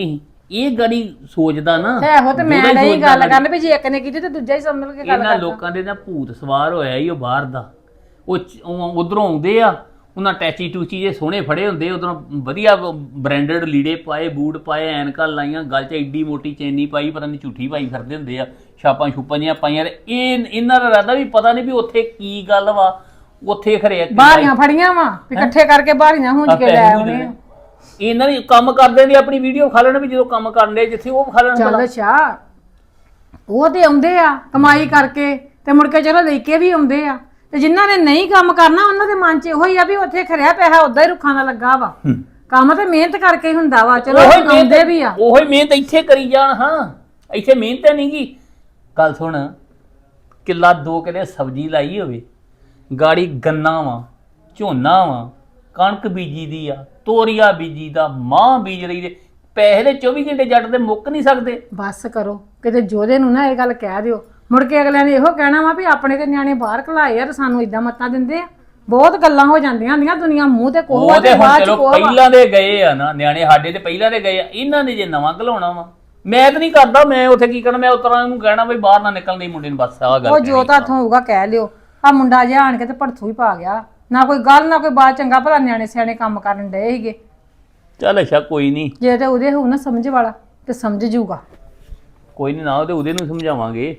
Speaker 2: ਇਹ ਗੜੀ ਸੋਚਦਾ ਨਾ
Speaker 3: ਤੇ ਇਹੋ ਤੇ ਮੈਂ
Speaker 2: ਉਹਦਾ ਹੀ
Speaker 3: ਨਹੀਂ
Speaker 2: ਸੋਚਦਾ
Speaker 3: ਗੱਲ
Speaker 2: ਗਾੜੀ।
Speaker 3: ਕਰਨ ਵੀ ਜੇ ਇੱਕ ਨੇ ਕੀਤੀ ਤੇ ਦੂਜਾ ਹੀ ਸਮਝ ਕੇ ਗੱਲ
Speaker 2: ਇਹਨਾਂ
Speaker 3: ਕਰਦਾ
Speaker 2: ਲੋਕਾਂ ਦੇ ਨਾ ਭੂਤ ਸਵਾਰ ਹੋਇਆ ਹੀ ਉਹ ਬਾਹਰ ਦਾ ਉਹ ਉਧਰੋਂ ਆਉਂਦੇ ਆ ਉਹਨਾਂ ਟੈਚੀ ਟੂਚੀ ਜੇ ਸੋਹਣੇ ਫੜੇ ਹੁੰਦੇ ਉਧਰੋਂ ਵਧੀਆ ਬ੍ਰਾਂਡਡ ਲੀੜੇ ਪਾਏ ਬੂਟ ਪਾਏ ਐਨਕਾਂ ਲਾਈਆਂ ਗੱਲ 'ਚ ਐਡੀ ਮੋਟੀ ਚੈਨੀ ਪਾਈ ਪਤਾ ਨਹੀਂ ਝੂਠੀ ਪਾਈ ਫਿਰਦੇ ਹੁੰਦੇ ਆ ਛਾਪਾਂ ਛੁਪਾਂ ਜਿਹੀਆਂ ਪਾਈਆਂ ਤੇ ਇਹ ਇਹਨਾਂ ਦਾ ਇਰਾਦਾ ਵੀ ਪਤਾ ਨਹੀਂ ਵੀ ਉੱਥੇ ਕੀ ਗੱਲ ਵਾ ਉੱਥੇ ਖਰੇ
Speaker 3: ਬਾਹਰੀਆਂ ਫੜੀਆਂ ਵਾ ਵੀ ਇਕੱਠੇ ਕਰਕੇ ਬਾਹਰੀਆਂ ਹੁੰਜ ਕੇ ਲੈ ਆਉਣੇ ਆ।
Speaker 2: ਇਹਨਾਂ ਦੀ ਕੰਮ ਕਰਦੇ ਦੀ ਆਪਣੀ ਵੀਡੀਓ ਖਾ ਲੈਣ ਵੀ ਜਦੋਂ ਕੰਮ ਕਰਨ ਦੇ ਜਿੱਥੇ ਉਹ ਖਾ ਲੈਣ
Speaker 3: ਚੱਲ ਅੱਛਾ ਉਹ ਤੇ ਆਉਂਦੇ ਆ ਕਮਾਈ ਕਰਕੇ ਤੇ ਮੁੜ ਕੇ ਚਲੋ ਲੈ ਕੇ ਵੀ ਆਉਂਦੇ ਆ ਤੇ ਜਿਨ੍ਹਾਂ ਨੇ ਨਹੀਂ ਕੰਮ ਕਰਨਾ ਉਹਨਾਂ ਦੇ ਮਨ 'ਚ ਇਹੋ ਹੀ ਆ ਵੀ ਉੱਥੇ ਖਰਿਆ ਪੈਸਾ ਉਦਾਂ ਹੀ ਰੁੱਖਾਂ ਦਾ ਲੱਗਾ ਵਾ ਕੰਮ ਤੇ ਮਿਹਨਤ ਕਰਕੇ ਹੀ ਹੁੰਦਾ ਵਾ ਚਲੋ ਆਉਂਦੇ ਵੀ ਆ
Speaker 2: ਉਹੀ ਮਿਹਨਤ ਇੱਥੇ ਕਰੀ ਜਾਣ ਹਾਂ ਇੱਥੇ ਮਿਹਨਤ ਨਹੀਂ ਗੀ ਗੱਲ ਸੁਣ ਕਿੱਲਾ ਦੋ ਕਿੱਲੇ ਸਬਜ਼ੀ ਲਾਈ ਹੋਵੇ ਗਾੜੀ ਗੰਨਾ ਵਾ ਝੋਨਾ ਵਾ ਕਣਕ ਬੀਜੀ ਦੀ ਆ ਤੋਰੀਆ ਬੀਜੀ ਦਾ ਮਾਂ ਬੀਜ ਰਹੀ ਦੇ ਪੈਸੇ ਦੇ ਚੌਵੀ ਘੰਟੇ ਜੱਟ ਦੇ ਮੁੱਕ ਨਹੀਂ ਸਕਦੇ
Speaker 3: ਬਸ ਕਰੋ ਕਿਤੇ ਜੋਦੇ ਨੂੰ ਨਾ ਇਹ ਗੱਲ ਕਹਿ ਦਿਓ ਮੁੜ ਕੇ ਅਗਲਿਆਂ ਨੇ ਇਹੋ ਕਹਿਣਾ ਵਾ ਵੀ ਆਪਣੇ ਤੇ ਨਿਆਣੇ ਬਾਹਰ ਘਲਾਏ ਯਾਰ ਸਾਨੂੰ ਇਦਾਂ ਮੱਤਾਂ ਦਿੰਦੇ ਆ ਬਹੁਤ ਗੱਲਾਂ ਹੋ ਜਾਂਦੀਆਂ ਹੁੰਦੀਆਂ ਦੁਨੀਆ ਮੂੰਹ ਤੇ ਕੋਹ
Speaker 2: ਉਹ ਤੇ
Speaker 3: ਤੇ
Speaker 2: ਹੁਣ
Speaker 3: ਬਾਅਦ ਚ
Speaker 2: ਚਲੋ
Speaker 3: ਕੋਹ
Speaker 2: ਪਹਿਲਾਂ ਦੇ ਗਏ ਆ ਨਾ ਨਿਆਣੇ ਸਾਡੇ ਤੇ ਪਹਿਲਾਂ ਦੇ ਗਏ ਆ ਇਹਨਾਂ ਨੇ ਜੇ ਨਵਾਂ ਘਲਾਉਣਾ ਵਾ ਮੈਂ ਤਾਂ ਨਹੀਂ ਕਰਦਾ ਮੈਂ ਉੱਥੇ ਕੀ ਕਰਨਾ ਮੈਂ ਉਤਰਾਂ ਨੂੰ ਕਹਿਣਾ ਵੀ ਬਾਹਰ ਨਾ ਨਿਕਲਣ ਦੀ ਮੁੰਡੇ ਨੂੰ ਬਸ ਆਹ ਗੱਲ
Speaker 3: ਉਹ ਜੋ ਤਾਂ ਹੱਥੋਂ ਹੋਊਗਾ ਕਹਿ ਲਿਓ ਆ ਮੁੰਡਾ ਜਿਹਾ ਆਣ ਕੇ ਤੇ ਭੜਥੂ ਹੀ ਪਾ ਗਿਆ ਨਾ ਕੋਈ ਗੱਲ ਨਾ ਕੋਈ ਬਾਤ ਚੰਗਾ ਭਲਾ ਨਿਆਣੇ ਸਿਆਣੇ ਕੰਮ ਕਰਨ ਡਏ ਸੀਗੇ
Speaker 2: ਚੱਲ ਅੱਛਾ ਕੋਈ ਨਹੀਂ
Speaker 3: ਜੇ ਤੇ ਉਹਦੇ ਹੋਊ ਨਾ ਸਮਝ ਵਾਲਾ ਤੇ ਸਮਝ ਜੂਗਾ
Speaker 2: ਕੋਈ ਨਹੀਂ ਨਾ ਉਹਦੇ ਉਹਦੇ ਨੂੰ ਸਮਝਾਵਾਂਗੇ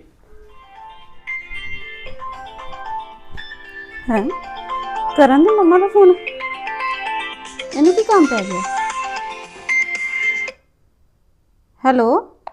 Speaker 4: ਹੈ ਕਰਨ ਦੇ ਮੰਮਾ ਦਾ ਫੋਨ ਇਹਨੂੰ ਕੀ ਕੰਮ ਪੈ ਗਿਆ ਹੈਲੋ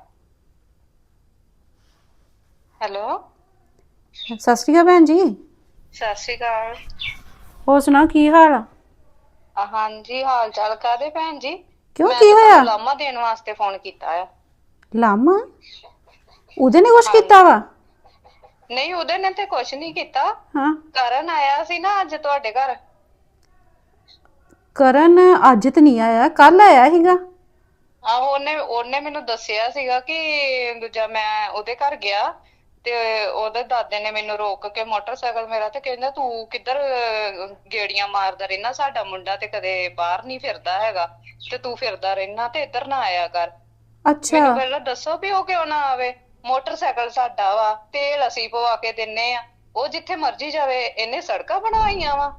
Speaker 5: ਹੈਲੋ
Speaker 4: ਸਤਿ ਸ਼੍ਰੀ ਅਕਾਲ ਭੈਣ ਜੀ
Speaker 5: ਸਤਿ ਸ਼੍ਰੀ ਅਕਾਲ
Speaker 4: ਹੋਰ ਸੁਣਾ ਕੀ ਹਾਲ ਆ
Speaker 5: ਅ, ਹਾਂਜੀ ਹਾਲ ਚਾਲ ਕਾਦੇ ਭੈਣ ਜੀ
Speaker 4: ਕਿਉਂ
Speaker 5: ਮੈਂ
Speaker 4: ਕੀ
Speaker 5: ਤਾਂ
Speaker 4: ਹੋਇਆ
Speaker 5: ਤੁਹਾਨੂੰ ਲਾਮਾ ਦੇਣ ਵਾਸਤੇ ਫੋਨ ਕੀਤਾ ਆ
Speaker 4: ਲਾਮਾ ਉਹਦੇ ਨੇ ਕੁਛ ਕੀਤਾ ਵਾ
Speaker 5: ਨਹੀਂ ਉਹਦੇ ਨੇ ਤੇ ਕੁਝ ਨਹੀਂ ਕੀਤਾ
Speaker 4: ਹਾਂ
Speaker 5: ਕਰਨ ਆਇਆ ਸੀ ਨਾ ਅੱਜ ਤੁਹਾਡੇ ਘਰ
Speaker 4: ਕਰਨ ਅੱਜ ਤੇ ਨਹੀਂ ਆਇਆ ਕੱਲ ਆਇਆ ਸੀਗਾ
Speaker 5: ਆਹੋ ਉਹਨੇ ਉਹਨੇ ਮੈਨੂੰ ਦੱਸਿਆ ਸੀਗਾ ਕਿ ਦੂਜਾ ਮੈਂ ਉਹਦੇ ਘਰ ਗਿਆ ਤੇ ਉਹਦੇ ਦਾਦੇ ਨੇ ਮੈਨੂੰ ਰੋਕ ਕੇ ਮੋਟਰਸਾਈਕਲ ਮੇਰਾ ਤੇ ਕਹਿੰਦਾ ਤੂੰ ਕਿੱਧਰ ਅਹ, ਗੇੜੀਆਂ ਮਾਰਦਾ ਰਹਿਣਾ ਸਾਡਾ ਮੁੰਡਾ ਤੇ ਕਦੇ ਬਾਹਰ ਨਹੀਂ ਫਿਰਦਾ ਹੈਗਾ ਤੇ ਤੂੰ ਫਿਰਦਾ ਰਹਿਣਾ ਤੇ ਇੱਧਰ ਨਾ ਆਇਆ ਕਰ
Speaker 4: ਅੱਛਾ
Speaker 5: ਮੈਨੂੰ ਪਹਿਲਾਂ ਦੱਸੋ ਵੀ ਉਹ ਕਿਉਂ ਨਾ ਆਵੇ ਮੋਟਰਸਾਈਕਲ ਸਾਡਾ ਵਾ ਤੇਲ ਅਸੀਂ ਪਵਾ ਕੇ ਦਿੰਨੇ ਆ ਉਹ ਜਿੱਥੇ ਮਰਜ਼ੀ ਜਾਵੇ ਇਹਨੇ ਸੜਕਾਂ ਬਣਾਈਆਂ ਵਾ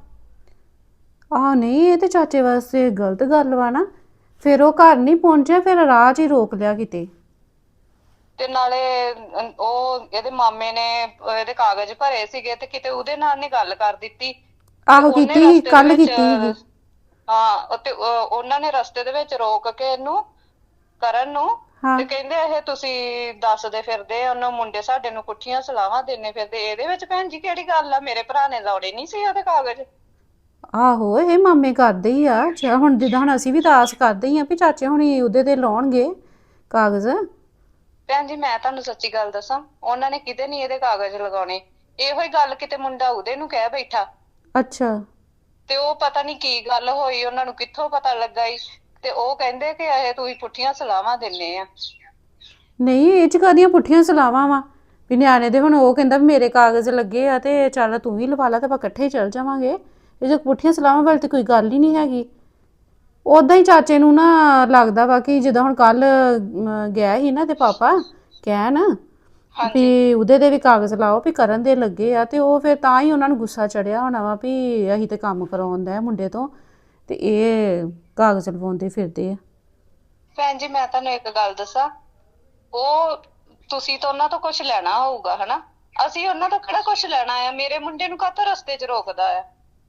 Speaker 4: ਆਹ ਨਹੀਂ ਇਹ ਤੇ ਚਾਚੇ ਵਾਸਤੇ ਗਲਤ ਗੱਲ ਵਾ ਨਾ ਫਿਰ ਉਹ ਘਰ ਨਹੀਂ ਪਹੁੰਚਿਆ ਫਿਰ ਰਾਹ 'ਚ ਹੀ ਰੋਕ ਲਿਆ ਕਿਤੇ
Speaker 5: ਤੇ ਨਾਲੇ ਅਹ, ਉਹ ਇਹਦੇ ਮਾਮੇ ਨੇ ਅਹ, ਇਹਦੇ ਕਾਗਜ਼ ਭਰੇ ਸੀਗੇ ਤੇ ਕਿਤੇ ਉਹਦੇ ਨਾਲ ਨੇ ਗੱਲ ਕਰ ਦਿੱਤੀ
Speaker 4: ਆਹੋ
Speaker 5: ਉਹਨੇ
Speaker 4: ਕੀਤੀ
Speaker 5: ਰਸਤੇ ਦੇ
Speaker 4: ਕੱਲ
Speaker 5: ਵਿੱਚ,
Speaker 4: ਕੀਤੀ ਸੀਗੀ
Speaker 5: ਹਾਂ ਤੇ ਅਹ, ਉਹਨਾਂ ਨੇ ਰਸਤੇ ਦੇ ਵਿੱਚ ਰੋਕ ਕੇ ਇਹਨੂੰ ਕਰਨ ਨੂੰ
Speaker 4: ਹਾਂ
Speaker 5: ਤੇ ਕਹਿੰਦੇ ਇਹ ਤੁਸੀਂ ਦੱਸਦੇ ਫਿਰਦੇ ਉਹਨੂੰ ਮੁੰਡੇ ਸਾਡੇ ਨੂੰ ਪੁੱਠੀਆਂ ਸਲਾਹਾਂ ਦਿੰਨੇ ਫਿਰਦੇ ਇਹਦੇ ਵਿੱਚ ਭੈਣ ਜੀ ਕਿਹੜੀ ਗੱਲ ਆ ਮੇਰੇ ਭਰਾ ਨੇ ਲਾਉਣੇ ਨਹੀਂ ਸੀ ਉਹਦੇ ਕਾਗਜ਼
Speaker 4: ਆਹੋ ਇਹ ਮਾਮੇ ਕਰਦੇ ਹੀ ਆ ਅੱਛਾ ਹੁਣ ਜਿੱਦਾਂ ਹੁਣ ਅਸੀਂ ਵੀ ਤਾਂ ਆਸ ਕਰਦੇ ਹੀ ਆ ਵੀ ਚਾਚੇ ਹੁਣੀ ਉਹਦੇ ਤੇ ਲਾਉਣਗੇ ਕਾਗਜ਼
Speaker 5: ਭੈਣ ਜੀ ਮੈਂ ਤੁਹਾਨੂੰ ਸੱਚੀ ਗੱਲ ਦੱਸਾਂ ਉਹਨਾਂ ਨੇ ਕਿਤੇ ਨਹੀਂ ਇਹਦੇ ਕਾਗਜ਼ ਲਗਾਉਣੇ ਇਹੋ ਹੀ ਗੱਲ ਕਿਤੇ ਮੁੰਡਾ ਉਹਦੇ ਨੂੰ ਕਹਿ ਬੈਠਾ
Speaker 4: ਅੱਛਾ
Speaker 5: ਤੇ ਉਹ ਪਤਾ ਨਹੀਂ ਕੀ ਗੱਲ ਹੋਈ ਉਹਨਾਂ ਨੂੰ ਕਿੱਥੋਂ ਪਤਾ ਲੱਗਾ ਈ ਤੇ ਉਹ ਕਹਿੰਦੇ ਕਿ ਇਹ ਤੁਸੀਂ ਪੁੱਠੀਆਂ ਸਲਾਹਾਂ ਦਿੰਨੇ ਆ
Speaker 4: ਨਹੀਂ ਇਹ ਚ ਕਾਹਦੀਆਂ ਪੁੱਠੀਆਂ ਸਲਾਵਾਂ ਵਾ ਵੀ ਨਿਆਣੇ ਦੇ ਹੁਣ ਉਹ ਕਹਿੰਦਾ ਵੀ ਮੇਰੇ ਕਾਗਜ਼ ਲੱਗੇ ਆ ਤੇ ਚੱਲ ਤੂੰ ਵੀ ਲਵਾ ਲਾ ਤੇ ਆਪਾਂ ਇਕੱਠੇ ਹੀ ਚੱਲ ਜਾਵਾਂਗੇ ਇਹ ਜੋ ਪੁੱਠੀਆਂ ਸਲਾਵਾਂ ਵਾਲੀ ਤੇ ਕੋਈ ਗੱਲ ਹੀ ਨਹੀਂ ਹੈਗੀ ਉਦਾਂ ਹੀ ਚਾਚੇ ਨੂੰ ਨਾ ਲੱਗਦਾ ਵਾ ਕਿ ਜਦੋਂ ਹੁਣ ਕੱਲ ਗਿਆ ਸੀ ਨਾ ਤੇ ਪਾਪਾ ਕਹਿਣ ਵੀ ਉਹਦੇ ਦੇ ਵੀ ਕਾਗਜ਼ ਲਾਓ ਵੀ ਕਰਨ ਦੇ ਲੱਗੇ ਆ ਤੇ ਉਹ ਫਿਰ ਤਾਂ ਹੀ ਉਹਨਾਂ ਨੂੰ ਗੁੱਸਾ ਚੜਿਆ ਹੋਣਾ ਵਾ ਵੀ ਅਸੀਂ ਤੇ ਕੰਮ ਕਰਾਉਂਦਾ ਮੁੰਡੇ ਤੋਂ ਤੇ ਇਹ ਕਾਗਜ਼ ਲਵਾਉਂਦੇ ਫਿਰਦੇ ਆ
Speaker 5: ਭੈਣ ਜੀ ਮੈਂ ਤੁਹਾਨੂੰ ਇੱਕ ਗੱਲ ਦੱਸਾਂ ਉਹ ਤੁਸੀਂ ਤਾਂ ਉਹਨਾਂ ਤੋਂ ਕੁਝ ਲੈਣਾ ਹੋਊਗਾ ਹਨਾ ਅਸੀਂ ਉਹਨਾਂ ਤੋਂ ਕਿਹੜਾ ਕੁਝ ਲੈਣਾ ਆ ਮੇਰੇ ਮੁੰਡੇ ਨੂੰ ਕਾਹਤੋਂ ਰਸਤੇ 'ਚ ਰੋਕਦਾ ਆ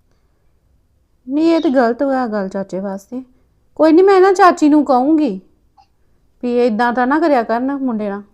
Speaker 4: ਨਹੀਂ ਇਹ ਤੇ ਗਲਤ ਹੋਇਆ ਗੱਲ ਚਾਚੇ ਵਾਸਤੇ ਕੋਈ ਨਹੀਂ ਮੈਂ ਨਾ ਚਾਚੀ ਨੂੰ ਕਹੂੰਗੀ ਵੀ ਇਦਾਂ ਤਾਂ ਨਾ ਕਰਿਆ ਕਰਨ ਮੁੰਡੇ ਨਾਲ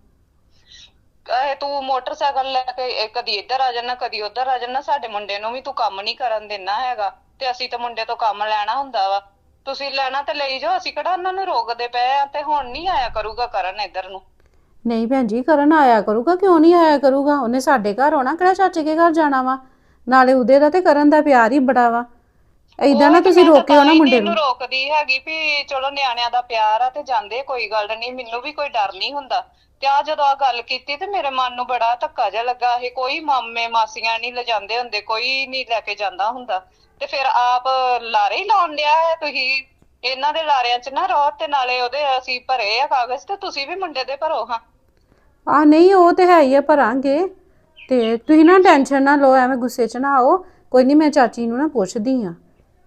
Speaker 5: ਇਹ ਤੂੰ ਮੋਟਰਸਾਈਕਲ ਲੈ ਕੇ ਇਹ ਕਦੀ ਇੱਧਰ ਆ ਜਾਣਾ ਕਦੀ ਉੱਧਰ ਆ ਜਾਣਾ ਸਾਡੇ ਮੁੰਡੇ ਨੂੰ ਵੀ ਤੂੰ ਕੰਮ ਨਹੀਂ ਕਰਨ ਦੇਣਾ ਹੈਗਾ ਤੇ ਅਸੀਂ ਤਾਂ ਮੁੰਡੇ ਤੋਂ ਕੰਮ ਲੈਣਾ ਹੁੰਦਾ ਵਾ ਤੁਸੀਂ ਲੈਣਾ ਤੇ ਲਈ ਜਾਓ ਅਸੀਂ ਕਿਹੜਾ ਉਹਨਾਂ ਨੂੰ ਰੋਕਦੇ ਪਏ ਆ ਤੇ ਹੁਣ ਨਹੀਂ ਆਇਆ ਕਰੂਗਾ ਕਰਨ ਇੱਧਰ ਨੂੰ
Speaker 4: ਨਹੀਂ ਭੈਣ ਜੀ ਕਰਨ ਆਇਆ ਕਰੂਗਾ ਕਿਉਂ ਨਹੀਂ ਆਇਆ ਕਰੂਗਾ ਉਹਨੇ ਸਾਡੇ ਘਰ ਆਉਣਾ ਕਿਹੜਾ ਚਾਚੇ ਕੇ ਘਰ ਜਾਣਾ ਵਾ ਨਾਲੇ ਉਹਦੇ ਦਾ ਤੇ ਕਰਨ ਦਾ ਪਿਆਰ ਹੀ ਬੜਾ ਵਾ ਏਦਾਂ ਨਾ ਤੁਸੀਂ ਰੋਕਿਓ ਨਾ ਮੁੰਡੇ ਨੂੰ
Speaker 5: ਰੋਕਦੀ ਹੈਗੀ ਵੀ ਚਲੋ ਨਿਆਣਿਆਂ ਦਾ ਪਿਆਰ ਆ ਤੇ ਜਾਂਦੇ ਕੋਈ ਗੱਲ ਨਹੀਂ ਮੈਨੂੰ ਵੀ ਕੋਈ ਡਰ ਨਹੀਂ ਹੁੰਦਾ ਤੇ ਆ ਜਦੋਂ ਆ ਗੱਲ ਕੀਤੀ ਤੇ ਮੇਰੇ ਮਨ ਨੂੰ ਬੜਾ ਧੱਕਾ ਜਿਹਾ ਲੱਗਾ ਇਹ ਕੋਈ ਮਾਮੇ ਮਾਸੀਆਂ ਨਹੀਂ ਲਿਜਾਂਦੇ ਹੁੰਦੇ ਕੋਈ ਨਹੀਂ ਲੈ ਕੇ ਜਾਂਦਾ ਹੁੰਦਾ ਤੇ ਫਿਰ ਆਪ ਲਾਰੇ ਹੀ ਲਾਉਣ ਲਿਆ ਹੈ ਤੁਸੀਂ ਇਹਨਾਂ ਦੇ ਲਾਰਿਆਂ 'ਚ ਨਾ ਰਹੋ, ਤੇ ਨਾਲੇ ਉਹਦੇ ਅਸੀਂ ਭਰੇ ਆ ਕਾਗਜ਼, ਤੇ ਤੁਸੀਂ ਵੀ ਮੁੰਡੇ ਦੇ ਭਰੋ ਹਾਂ।
Speaker 4: ਆ ਨਹੀਂ ਉਹ ਤੇ ਹੈ ਹੀ ਆ, ਭਰਾਂਗੇ। ਤੇ ਤੁਸੀਂ ਨਾ ਟੈਨਸ਼ਨ ਨਾ ਲਓ, ਐਵੇਂ ਗੁੱਸੇ 'ਚ ਨਾ ਆਓ। ਕੋਈ ਨਹੀਂ, ਮੈਂ ਚਾਚੀ ਨੂੰ ਨਾ ਪੁੱਛਦੀ ਆ।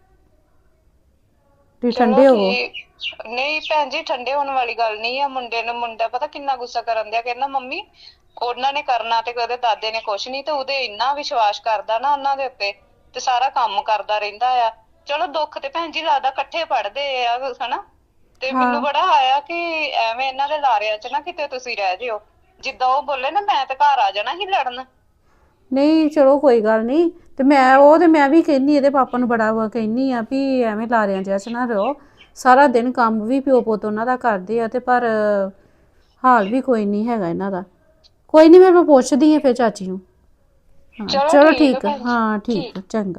Speaker 4: ਤੁਸੀਂ ਠੰਡੇ
Speaker 5: ਚਲੋ
Speaker 4: ਹੋਵੋ।
Speaker 5: ਠੀਕ। ਨਹੀਂ ਭੈਣ ਜੀ, ਠੰਡੇ ਹੋਣ ਵਾਲੀ ਗੱਲ ਨਹੀਂ ਆ। ਮੁੰਡੇ ਨੂੰ ਮੁੰਡਾ ਪਤਾ ਕਿੰਨਾ ਗੁੱਸਾ ਕਰਨ ਦਿਆ, ਕਹਿੰਦਾ ਮੰਮੀ ਉਹਨਾਂ ਨੇ ਕਰਨਾ ਤੇ ਉਹਦੇ ਦਾਦੇ ਨੇ ਕੁਛ ਨਹੀਂ, ਤੇ ਉਹਦੇ ਇੰਨਾ ਵਿਸ਼ਵਾਸ ਕਰਦਾ ਨਾ ਉਹਨਾਂ ਦੇ ਉੱਤੇ, ਤੇ ਸਾਰਾ ਕੰਮ ਕਰਦਾ ਰਹਿੰਦਾ ਆ। ਚਲੋ ਦੁੱਖ ਤੇ ਭੈਣ ਜੀ ਲੱਗਦਾ ਇਕੱਠੇ ਪੜਦੇ ਆ ਹਨਾ, ਤੇ ਮੈਨੂੰ ਬੜਾ ਆਇਆ ਕਿ ਐਵੇਂ ਇਹਨਾਂ ਦੇ ਲਾਰਿਆਂ 'ਚ ਨਾ ਕਿਤੇ ਤੁਸੀਂ ਰਹਿ ਜਿਓ। ਜਿੱਦਾਂ ਉਹ ਬੋਲੇ ਨਾ, ਮੈਂ ਤੇ ਘਰ ਆ ਜਾਣਾ ਸੀ ਲੜਨ।
Speaker 4: ਨਹੀਂ ਚਲੋ ਕੋਈ ਗੱਲ ਨਹੀਂ। ਤੇ ਮੈਂ ਉਹ ਤੇ ਮੈਂ ਵੀ ਕਹਿੰਨੀ, ਇਹਦੇ ਪਾਪਾ ਨੂੰ ਬੜਾ ਵਾ ਕਹਿੰਨੀ ਆ ਵੀ ਐਵੇਂ ਲਾਰਿਆਂ ਜਿਹਾ 'ਚ ਨਾ ਰਹੋ। ਸਾਰਾ ਦਿਨ ਕੰਮ ਵੀ ਪਿਓ ਪੁੱਤ ਉਹਨਾਂ ਦਾ ਕਰਦੇ ਆ, ਤੇ ਪਰ ਹਾਲ ਵੀ ਕੋਈ ਨਹੀਂ ਹੈਗਾ ਇਹਨਾਂ ਦਾ। ਕੋਈ ਨਹੀਂ, ਮੈਂ ਪੁੱਛਦੀ ਆ ਫਿਰ ਚਾਚੀ ਨੂੰ। ਹਾਂ
Speaker 5: ਚਲੋ
Speaker 4: ਚਲੋ
Speaker 5: ਠੀਕ
Speaker 4: ਠੀਕ
Speaker 5: ਆ
Speaker 4: ਆ।
Speaker 5: ਭੈਣ ਜੀ,
Speaker 4: ਹਾਂ ਠੀਕ
Speaker 5: ਠੀਕ।
Speaker 4: ਆ, ਚੰਗਾ।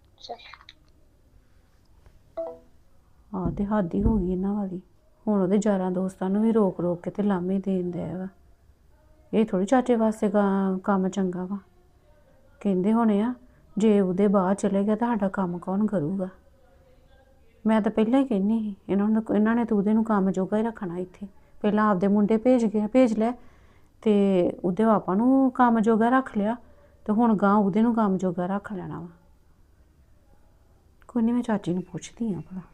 Speaker 4: ਆਹ ਤੇ ਹੱਦ ਹੀ ਹੋ ਗਈ ਇਹਨਾਂ ਵਾਲੀ। ਹੁਣ ਉਹਦੇ ਯਾਰਾਂ ਦੋਸਤਾਂ ਨੂੰ ਵੀ ਰੋਕ ਰੋਕ ਕੇ ਤੇ ਲਾਮੇ ਦੇਣ ਦਿਆ ਵਾ। ਇਹ ਥੋੜੀ ਚਾਚੇ ਵਾਸਤੇ ਗਾ- ਕੰਮ ਚੰਗਾ ਵਾ। ਕਹਿੰਦੇ ਹੋਣੇ ਆ ਜੇ ਉਹਦੇ ਬਾਹਰ ਚਲੇ ਗਿਆ ਤਾਂ ਸਾਡਾ ਕੰਮ ਕੌਣ ਕਰੂਗਾ। ਮੈਂ ਤਾਂ ਪਹਿਲਾਂ ਹੀ ਕਹਿੰਦੀ ਸੀ ਇਹਨਾਂ ਨੂੰ, ਇਹਨਾਂ ਨੇ ਤਾਂ ਉਹਦੇ ਨੂੰ ਕੰਮ ਜੋਗਾ ਹੀ ਰੱਖਣਾ ਇੱਥੇ। ਪਹਿਲਾਂ ਆਪਦੇ ਮੁੰਡੇ ਭੇਜ ਗਿਆ ਭੇਜ ਲੈ, ਤੇ ਉਹਦੇ ਪਾਪਾ ਨੂੰ ਕੰਮ ਜੋਗਾ ਰੱਖ ਲਿਆ, ਤੇ ਹੁਣ ਗਾਂ ਉਹਦੇ ਨੂੰ ਕੰਮ ਜੋਗਾ ਰੱਖ ਲੈਣਾ ਵਾ। ਕੋਈ ਨਹੀਂ, ਮੈਂ ਚਾਚੀ ਨੂੰ ਪੁੱਛਦੀ ਆ ਭਲਾ।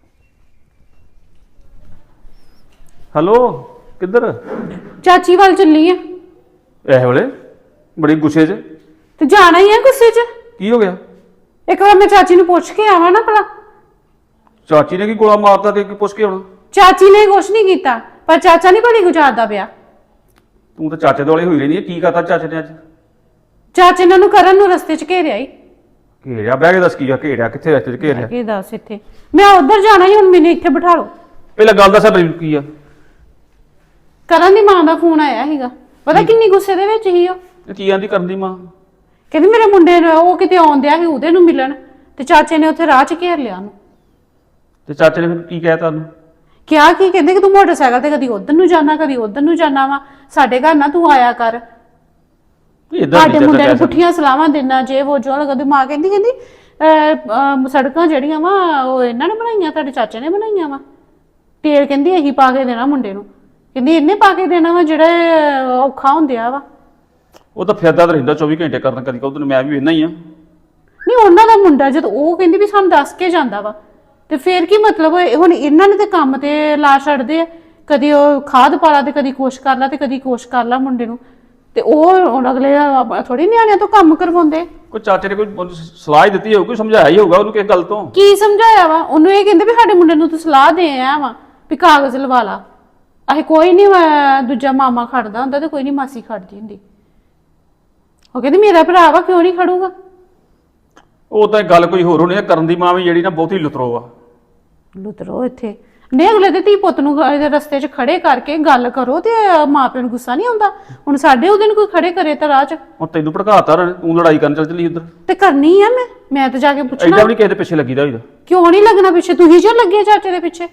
Speaker 6: ਹੈਲੋ, ਕਿੱਧਰ?
Speaker 4: ਚਾਚੀ ਵੱਲ ਚੱਲੀ ਆ।
Speaker 6: ਇਹ ਵੇਲੇ ਬੜੀ ਗੁੱਸੇ 'ਚ?
Speaker 4: ਤੇ ਜਾਣਾ ਹੀ ਆ ਗੁੱਸੇ 'ਚ।
Speaker 6: ਕੀ ਹੋ ਗਿਆ?
Speaker 4: ਇੱਕ ਵਾਰ ਮੈਂ ਚਾਚੀ ਨੂੰ ਪੁੱਛ ਕੇ ਆਵਾਂ ਨਾ ਭਲਾ।
Speaker 6: ਚਾਚੀ ਨੇ ਕੀ ਗੋਲਾ ਮਾਰਤਾ ਤੇ ਕੀ ਪੁੱਛ ਕੇ ਆਉਣਾ?
Speaker 4: ਚਾਚੀ ਨੇ ਕੁਛ ਨਹੀਂ ਕੀਤਾ, ਪਰ ਚਾਚਾ ਨਹੀਂ ਬੜੀ ਗੁਜ਼ਾਰਦਾ ਪਿਆ।
Speaker 6: ਤੂੰ ਤਾਂ ਚਾਚੇ ਦੁਆਲੇ ਹੋਈ ਰਹਿੰਦੀ ਹੈ। ਕੀ ਕਰਤਾ ਚਾਚੇ ਨੇ ਅੱਜ?
Speaker 4: ਚਾਚੇ ਨੇ ਉਹਨੂੰ ਕਰਨ ਨੂੰ ਰਸਤੇ 'ਚ ਘੇਰਿਆ ਹੀ।
Speaker 6: ਘੇਰਿਆ? ਬਹਿ ਕੇ ਦੱਸ ਕੀ ਆ? ਘੇਰਿਆ ਕਿੱਥੇ? ਰਸਤੇ 'ਚ ਘੇਰਿਆ?
Speaker 4: ਕੀ ਦੱਸ ਇੱਥੇ ਮੈਂ ਉੱਧਰ ਜਾਣਾ ਹੀ, ਹੁਣ ਮੈਨੂੰ ਇੱਥੇ ਬਿਠਾ ਲਓ।
Speaker 6: ਪਹਿਲਾਂ ਗੱਲ ਦੱਸ ਮੈਨੂੰ ਕੀ ਆ?
Speaker 4: ਕਰਨ ਦੀ ਮਾਂ ਦਾ ਫੋਨ ਆਇਆ ਸੀਗਾ। ਪਤਾ ਕਿੰਨੀ ਗੁੱਸੇ ਦੇ ਵਿੱਚ ਸੀ ਉਹ।
Speaker 6: ਇਹ ਕੀ ਆਂਦੀ ਕਰਨ ਦੀ ਮਾਂ?
Speaker 4: ਕਹਿੰਦੀ ਮੇਰੇ ਮੁੰਡੇ ਨੂੰ ਉਹ ਕਿਤੇ ਆਉਂਦਿਆ ਸੀ ਉਹਦੇ ਨੂੰ ਮਿਲਣ, ਤੇ ਚਾਚੇ ਨੇ ਉੱਥੇ ਰਾਹ 'ਚ ਘੇਰ ਲਿਆ ਉਹਨੂੰ। ਤੇ
Speaker 6: ਚਾਚੇ ਨੇ ਫਿਰ ਕੀ ਕਹਿਤਾ ਉਹਨੂੰ?
Speaker 4: ਕਿਹਾ ਕੀ, ਕਹਿੰਦੇ ਕਿ ਤੂੰ ਮੋਟਰਸਾਈਕਲ ਤੇ ਕਦੀ ਉਧਰ ਨੂੰ ਜਾਣਾ ਕਦੀ ਉਧਰ ਨੂੰ ਜਾਣਾ ਵਾ, ਸਾਡੇ ਘਰ ਨਾ ਤੂੰ ਆਇਆ ਕਰ। ਸਾਡੇ ਮੁੰਡੇ ਨੂੰ ਪੁੱਠੀਆਂ ਸਲਾਹਾਂ ਦੇਣਾ, ਜੇ ਉਹ ਜੋ ਲੱਗਦੀ। ਮਾਂ ਕਹਿੰਦੀ ਕਹਿੰਦੀ ਅਹ ਅਹ ਸੜਕਾਂ ਜਿਹੜੀਆਂ ਵਾ ਉਹ ਇਹਨਾਂ ਨੇ ਬਣਾਈਆਂ, ਤੁਹਾਡੇ ਚਾਚੇ ਨੇ ਬਣਾਈਆਂ ਵਾ। ਤੇਲ ਕਹਿੰਦੀ ਇਹੀ ਪਾ ਕੇ ਦੇਣਾ ਮੁੰਡੇ ਨੂੰ, ਕਹਿੰਦੀ ਇਹਨੇ ਪਾ ਕੇ ਦੇਣਾ ਵਾ ਜਿਹੜੇ ਔਖਾ ਹੁੰਦਿਆ ਵਾ।
Speaker 6: ਉਹ ਤਾਂ ਫਿਰਦਾ ਤਾਂ ਰਹਿੰਦਾ ਚੌਵੀ ਘੰਟੇ ਕਰਨ, ਕਦੀ ਉਧਰ ਮੈਂ ਵੀ ਵੇਖਣਾ ਹੀ ਆ।
Speaker 4: ਨਹੀਂ ਉਹਨਾਂ ਦਾ ਮੁੰਡਾ ਜਦ ਉਹ ਕਹਿੰਦੀ ਵੀ ਸਾਨੂੰ ਦੱਸ ਕੇ ਜਾਂਦਾ ਵਾ, ਤੇ ਫੇਰ ਕੀ ਮਤਲਬ? ਹੁਣ ਇਹਨਾਂ ਨੇ ਤੇ ਕੰਮ ਤੇ ਲਾ ਛੱਡਦੇ ਆ, ਕਦੀ ਉਹ ਖਾਦ ਪਾ ਲਾ ਤੇ ਕਦੀ ਕੁਛ ਕਰ ਲਾ ਤੇ ਕਦੀ ਕੁਛ ਕਰ ਲਾ ਮੁੰਡੇ ਨੂੰ, ਤੇ ਉਹ ਹੁਣ ਅਗਲੇ ਥੋੜੀ ਨਿਆਣਿਆਂ ਤੋਂ ਕੰਮ ਕਰਵਾਉਂਦੇ।
Speaker 6: ਕੋਈ ਚਾਚੇ ਨੇ ਕੋਈ ਸਲਾਹ ਹੀ ਦਿੱਤੀ ਹੋਊ, ਕੋਈ ਸਮਝਾਇਆ ਹੀ ਹੋਊਗਾ ਉਹਨੂੰ ਕਿਸ ਗੱਲ ਤੋਂ।
Speaker 4: ਕੀ ਸਮਝਾਇਆ ਵਾ ਉਹਨੂੰ? ਇਹ ਕਹਿੰਦੇ ਵੀ ਸਾਡੇ ਮੁੰਡੇ ਨੂੰ ਤੂੰ ਸਲਾਹ ਦੇ ਆਇਆ ਵਾ ਵੀ ਕਾਗਜ਼ ਲਵਾ ਲਾ। ਅਹੇ ਕੋਈ ਨਹੀਂ, ਦੂਜਾ ਮਾਮਾ ਖੜਦਾ ਹੁੰਦਾ ਤੇ ਕੋਈ ਨਹੀਂ ਮਾਸੀ ਖੜਦੀ ਹੁੰਦੀ। ਉਹ ਕਹਿੰਦੀ ਮੇਰਾ ਭਰਾ ਵਾ, ਕਿਉਂ ਨਹੀਂ ਖੜੂਗਾ?
Speaker 6: ਉਹ ਤਾਂ ਗੱਲ ਕੋਈ ਹੋਰ ਹੋਣੀ ਆ। ਕਰਨ ਦੀ ਮਾਂ ਵੀ ਜਿਹੜੀ ਨਾ ਬਹੁਤੀ ਲੁਤਰੋ ਆ।
Speaker 4: ਲੁਤਰੋ ਇੱਥੇ ਨੇ ਅਗਲੇ ਦੇ ਧੀ ਪੁੱਤ ਨੂੰ ਇਹਦੇ ਰਸਤੇ 'ਚ ਖੜੇ ਕਰਕੇ ਗੱਲ ਕਰੋ, ਤੇ ਮਾਂ ਪਿਓ ਨੂੰ ਗੁੱਸਾ ਨਹੀਂ ਆਉਂਦਾ? ਹੁਣ ਸਾਡੇ ਉਹਦੇ ਨੂੰ ਕੋਈ ਖੜੇ ਕਰੇ ਤਾਂ ਰਾਹ 'ਚ।
Speaker 6: ਹੁਣ ਤੈਨੂੰ ਭੜਕਾਤਾ, ਤੂੰ ਲੜਾਈ ਕਰਨ ਚੱਲ ਚੱਲੀ ਉੱਧਰ।
Speaker 4: ਤੇ ਕਰਨੀ ਆ ਮੈਂ ਮੈਂ ਤਾਂ ਜਾ ਕੇ ਪੁੱਛਣਾ।
Speaker 6: ਐਡਾ ਵੀ ਨਹੀਂ ਕਿਸੇ ਦੇ ਪਿੱਛੇ ਲੱਗੀਦਾ ਹੋਈਦਾ।
Speaker 4: ਕਿਉਂ ਨਹੀਂ ਲੱਗਣਾ ਪਿੱਛੇ? ਤੁਸੀਂ ਜੋ ਲੱਗੇ ਚਾਚੇ ਦੇ ਪਿੱਛੇ।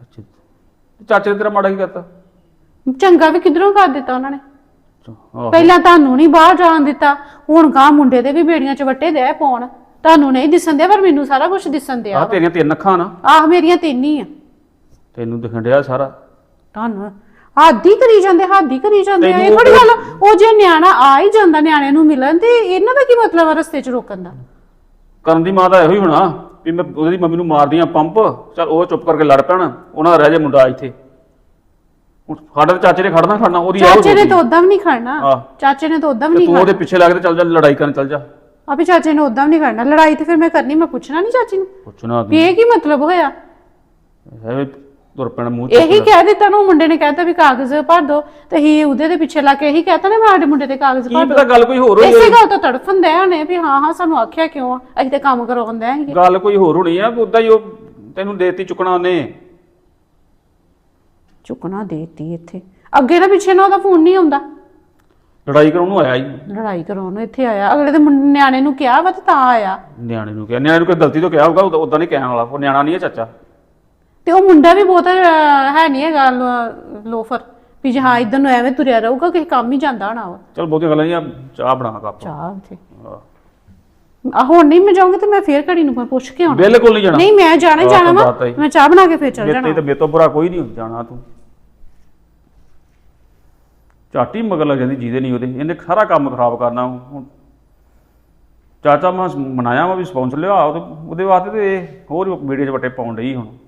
Speaker 6: ਚਾਚੇ ਨੇ ਤੇਰਾ ਮਾੜਾ ਕੀ ਕਰਤਾ?
Speaker 4: ਚੰਗਾ ਵੀ ਕਿਧਰੋਂ ਕਰ ਦਿੱਤਾ ਉਹਨਾਂ ਨੇ।
Speaker 6: ਆਹੋ।
Speaker 4: ਪਹਿਲਾਂ ਤੁਹਾਨੂੰ ਨਹੀਂ ਬਾਹਰ ਜਾਣ ਦਿੱਤਾ, ਹੁਣ ਗਾਂ ਮੁੰਡੇ ਦੇ ਵੀ ਬੇੜੀਆਂ 'ਚ ਵੱਟੇ ਦੇ ਪਾਉਣ। ਤੁਹਾਨੂੰ ਨਹੀਂ ਦਿਸਣ ਦਿਆ, ਪਰ ਮੈਨੂੰ ਸਾਰਾ ਕੁਝ ਦਿਸਣ ਦਿਆ।
Speaker 6: ਆਹ ਤੇਰੀਆਂ ਤਿੰਨ ਅੱਖਾਂ ਨਾ।
Speaker 4: ਆਹ ਮੇਰੀਆਂ ਤਿੰਨ ਹੀ ਆ।
Speaker 6: ਤੈਨੂੰ ਦਿਖਣ ਡਿਆ ਸਾਰਾ।
Speaker 4: ਤੁਹਾਨੂੰ ਹੱਦ ਹੀ ਕਰੀ ਜਾਂਦੇ, ਹੱਦ ਹੀ ਕਰੀ ਜਾਂਦੇ ਆ। ਇਹ
Speaker 6: ਤੈਨੂੰ
Speaker 4: ਥੋੜੀ ਗੱਲ, ਉਹ ਜੇ ਨਿਆਣਾ ਆ ਹੀ ਜਾਂਦਾ ਨਿਆਣੇ ਨੂੰ ਮਿਲਣ, ਤੇ ਇਹਨਾਂ ਦਾ ਕੀ ਮਤਲਬ ਆ ਰਸਤੇ 'ਚ ਰੋਕਣ ਦਾ?
Speaker 6: ਕਰਨ ਦੀ ਮਾਂ ਦਾ ਇਹੋ ਹੀ ਹੋਣਾ ਵੀ ਮੈਂ ਉਹਦੀ ਮੰਮੀ ਨੂੰ ਮਾਰਦੀਆਂ ਪੰਪ, ਚੱਲ ਉਹ ਚੁੱਪ ਕਰਕੇ ਲੜ ਪੈਣ, ਉਹਨਾਂ ਦਾ ਰਹਿ ਜਾ ਮੁੰਡਾ ਇੱਥੇ। ਹੁਣ ਸਾਡੇ ਤਾਂ ਚਾਚੇ ਨੇ ਖੜਨਾ ਖੜਨਾ, ਉਹਦੀ ਇਹੋ
Speaker 4: ਚਾਚੇ ਨੇ
Speaker 6: ਸੋਚੀ।
Speaker 4: ਤਾਂ ਉਦਾਂ ਵੀ ਨਹੀਂ ਖੜਨਾ।
Speaker 6: ਆਹ।
Speaker 4: ਚਾਚੇ ਨੇ ਤਾਂ ਉਦਾਂ ਵੀ
Speaker 6: ਤੇ
Speaker 4: ਨਹੀਂ
Speaker 6: ਤੂੰ ਉਹਦੇ
Speaker 4: ਖੜਨਾ।
Speaker 6: ਪਿੱਛੇ ਲੱਗ ਕੇ ਚੱਲ ਜਾ, ਲੜਾਈ ਕਰਨ ਚੱਲ ਜਾ।
Speaker 4: ਆਪੇ ਚਾਚੇ ਨੇ ਉਦਾਂ ਵੀ ਨਹੀਂ ਖੜਨਾ। ਲੜਾਈ ਤੇ ਫਿਰ ਮੈਂ ਕਰਨੀ, ਮੈਂ ਪੁੱਛਣਾ ਨਹੀਂ ਚਾਚੀ ਨੂੰ
Speaker 6: ਪੁੱਛਣਾ
Speaker 4: ਵੀ ਇਹ ਕੀ ਮਤਲਬ ਹੋਇਆ।
Speaker 6: ਐਵੇਂ ਤੁਰ ਪੈਣਾ ਮੂੰਹ
Speaker 4: ਇਹੀ ਕਹਿ ਦਿੱਤਾ ਨਾ, ਮੁੰਡੇ ਨੇ ਕਹਿਤਾ ਵੀ ਕਾਗਜ਼ ਭਰ ਦੋ, ਤੇ ਹੀ ਉਹਦੇ ਦੇ ਪਿੱਛੇ ਲੱਗ ਕੇ ਇਹੀ ਕਹਿਤਾ ਨਾ ਸਾਡੇ ਮੁੰਡੇ ਦੇ ਕਾਗਜ਼
Speaker 6: ਕੀ
Speaker 4: ਭਰ
Speaker 6: ਪਤਾ
Speaker 4: ਦੋ।
Speaker 6: ਗੱਲ ਕੋਈ ਹੋਰ ਹੋਈ
Speaker 4: ਇਸੇ
Speaker 6: ਹੋਵੇ।
Speaker 4: ਗੱਲ ਤੋਂ ਤੜਫੰਦੇ ਹੋਣੇ ਵੀ ਹਾਂ ਹਾਂ ਸਾਨੂੰ ਆਖਿਆ ਕਿਉਂ ਆ, ਅਸੀਂ ਤੇ ਕੰਮ ਕਰਵਾਉਂਦੇ ਆਂ।
Speaker 6: ਗੱਲ ਕੋਈ ਹੋਰ ਹੋਣੀ ਆ, ਉਦਾਂ ਹੀ ਉਹ ਤੈਨੂੰ ਦੇਤੀ ਚੁੱਕਣਾ ਉਹਨੇ।
Speaker 4: ਚੁੱਕਣਾ ਦੇਤੀ ਇੱਥੇ, ਅੱਗੇ ਦਾ ਪਿੱਛੇ ਨਾ ਉਹਦਾ ਫੋਨ ਨਹੀਂ ਆਉਂਦਾ।
Speaker 6: ਲੜਾਈ ਕਰਾਉਣ ਨੂੰ ਆਇਆ ਹੀ।
Speaker 4: ਲੜਾਈ ਕਰਾਉਣ ਨੂੰ ਇੱਥੇ ਆਇਆ, ਅਗਲੇ ਦੇ ਮੁੰ- ਨਿਆਣੇ ਨੂੰ ਕਿਹਾ ਵਾ ਤੇ ਤਾਂ ਆਇਆ।
Speaker 6: ਨਿਆਣੇ ਨੂੰ ਕਿਹਾ, ਨਿਆਣੇ ਨੂੰ ਕੋਈ ਗਲਤੀ ਤੋਂ ਕਿਹਾ ਹੋਊਗਾ, ਉਦਾਂ ਨਹੀਂ ਕਹਿਣ ਵਾਲਾ। ਉਹ ਨਿਆਣਾ ਨਹੀਂ ਹੈ ਚਾਚਾ।
Speaker 4: ਤੇ ਉਹ ਮੁੰਡਾ ਵੀ ਬਹੁਤ ਅਹ, ਹੈ ਨਹੀਂ ਹੈਗਾ ਲੋ- ਲੋਫਰ ਵੀ ਜੇ ਹਾਂ ਇਧਰ ਨੂੰ ਐਵੇਂ ਤੁਰਿਆ ਰਹੂਗਾ, ਕਿਸੇ ਕੰਮ ਹੀ ਜਾਂਦਾ ਹੋਣਾ ਵਾ।
Speaker 6: ਚਲ ਬਹੁਤੀਆਂ ਗੱਲਾਂ ਨਹੀਂ ਆ, ਚਾਹ ਬਣਾ ਕੱਪ।
Speaker 4: ਚਾਹ ਉੱਥੇ ਆ ਹੁਣ ਨਹੀਂ ਮੈਂ ਜਾਊਂਗੀ ਤੇ ਮੈਂ ਫੇਰ ਘੜੀ ਨੂੰ ਮੈਂ ਪੁੱਛ ਕੇ ਆਉਣਾ।
Speaker 6: ਬਿਲਕੁਲ ਨਹੀਂ ਜਾਣਾ।
Speaker 4: ਨਹੀਂ ਮੈਂ ਜਾਣਾ ਹੀ
Speaker 6: ਆਹ
Speaker 4: ਜਾਣਾ
Speaker 6: ਤਾਂ
Speaker 4: ਵਾ,
Speaker 6: ਬਾਤ ਹੈ।
Speaker 4: ਮੈਂ ਚਾਹ ਬਣਾ ਕੇ ਫੇਰ ਚੱਲ
Speaker 6: ਮੇਰੇ
Speaker 4: ਜਾਣਾ।
Speaker 6: ਤੇ ਮੇਰੇ ਤੋਂ ਬੁਰਾ ਕੋਈ ਨਹੀਂ ਜਾਣਾ ਤੂੰ। ਝਾਟੀ ਮਗਰ ਲੱਗ ਜਾਂਦੀ ਜਿਹਦੇ ਨਹੀਂ ਉਹਦੇ, ਇਹਨੇ ਸਾਰਾ ਕੰਮ ਖਰਾਬ ਕਰਨਾ। ਹੁਣ ਚਾਚਾ ਮੈਂ ਮਨਾਇਆ ਵਾ ਵੀ ਸਪੌਂਸਰ ਲਿਆ ਉਹਦੇ ਉਹਦੇ ਵਾਸਤੇ, ਤੇ ਇਹ ਹੋਰ ਵੀਡੀਓ 'ਚ ਵੱਟੇ ਪਾਉਣ ਡਈ ਹੁਣ।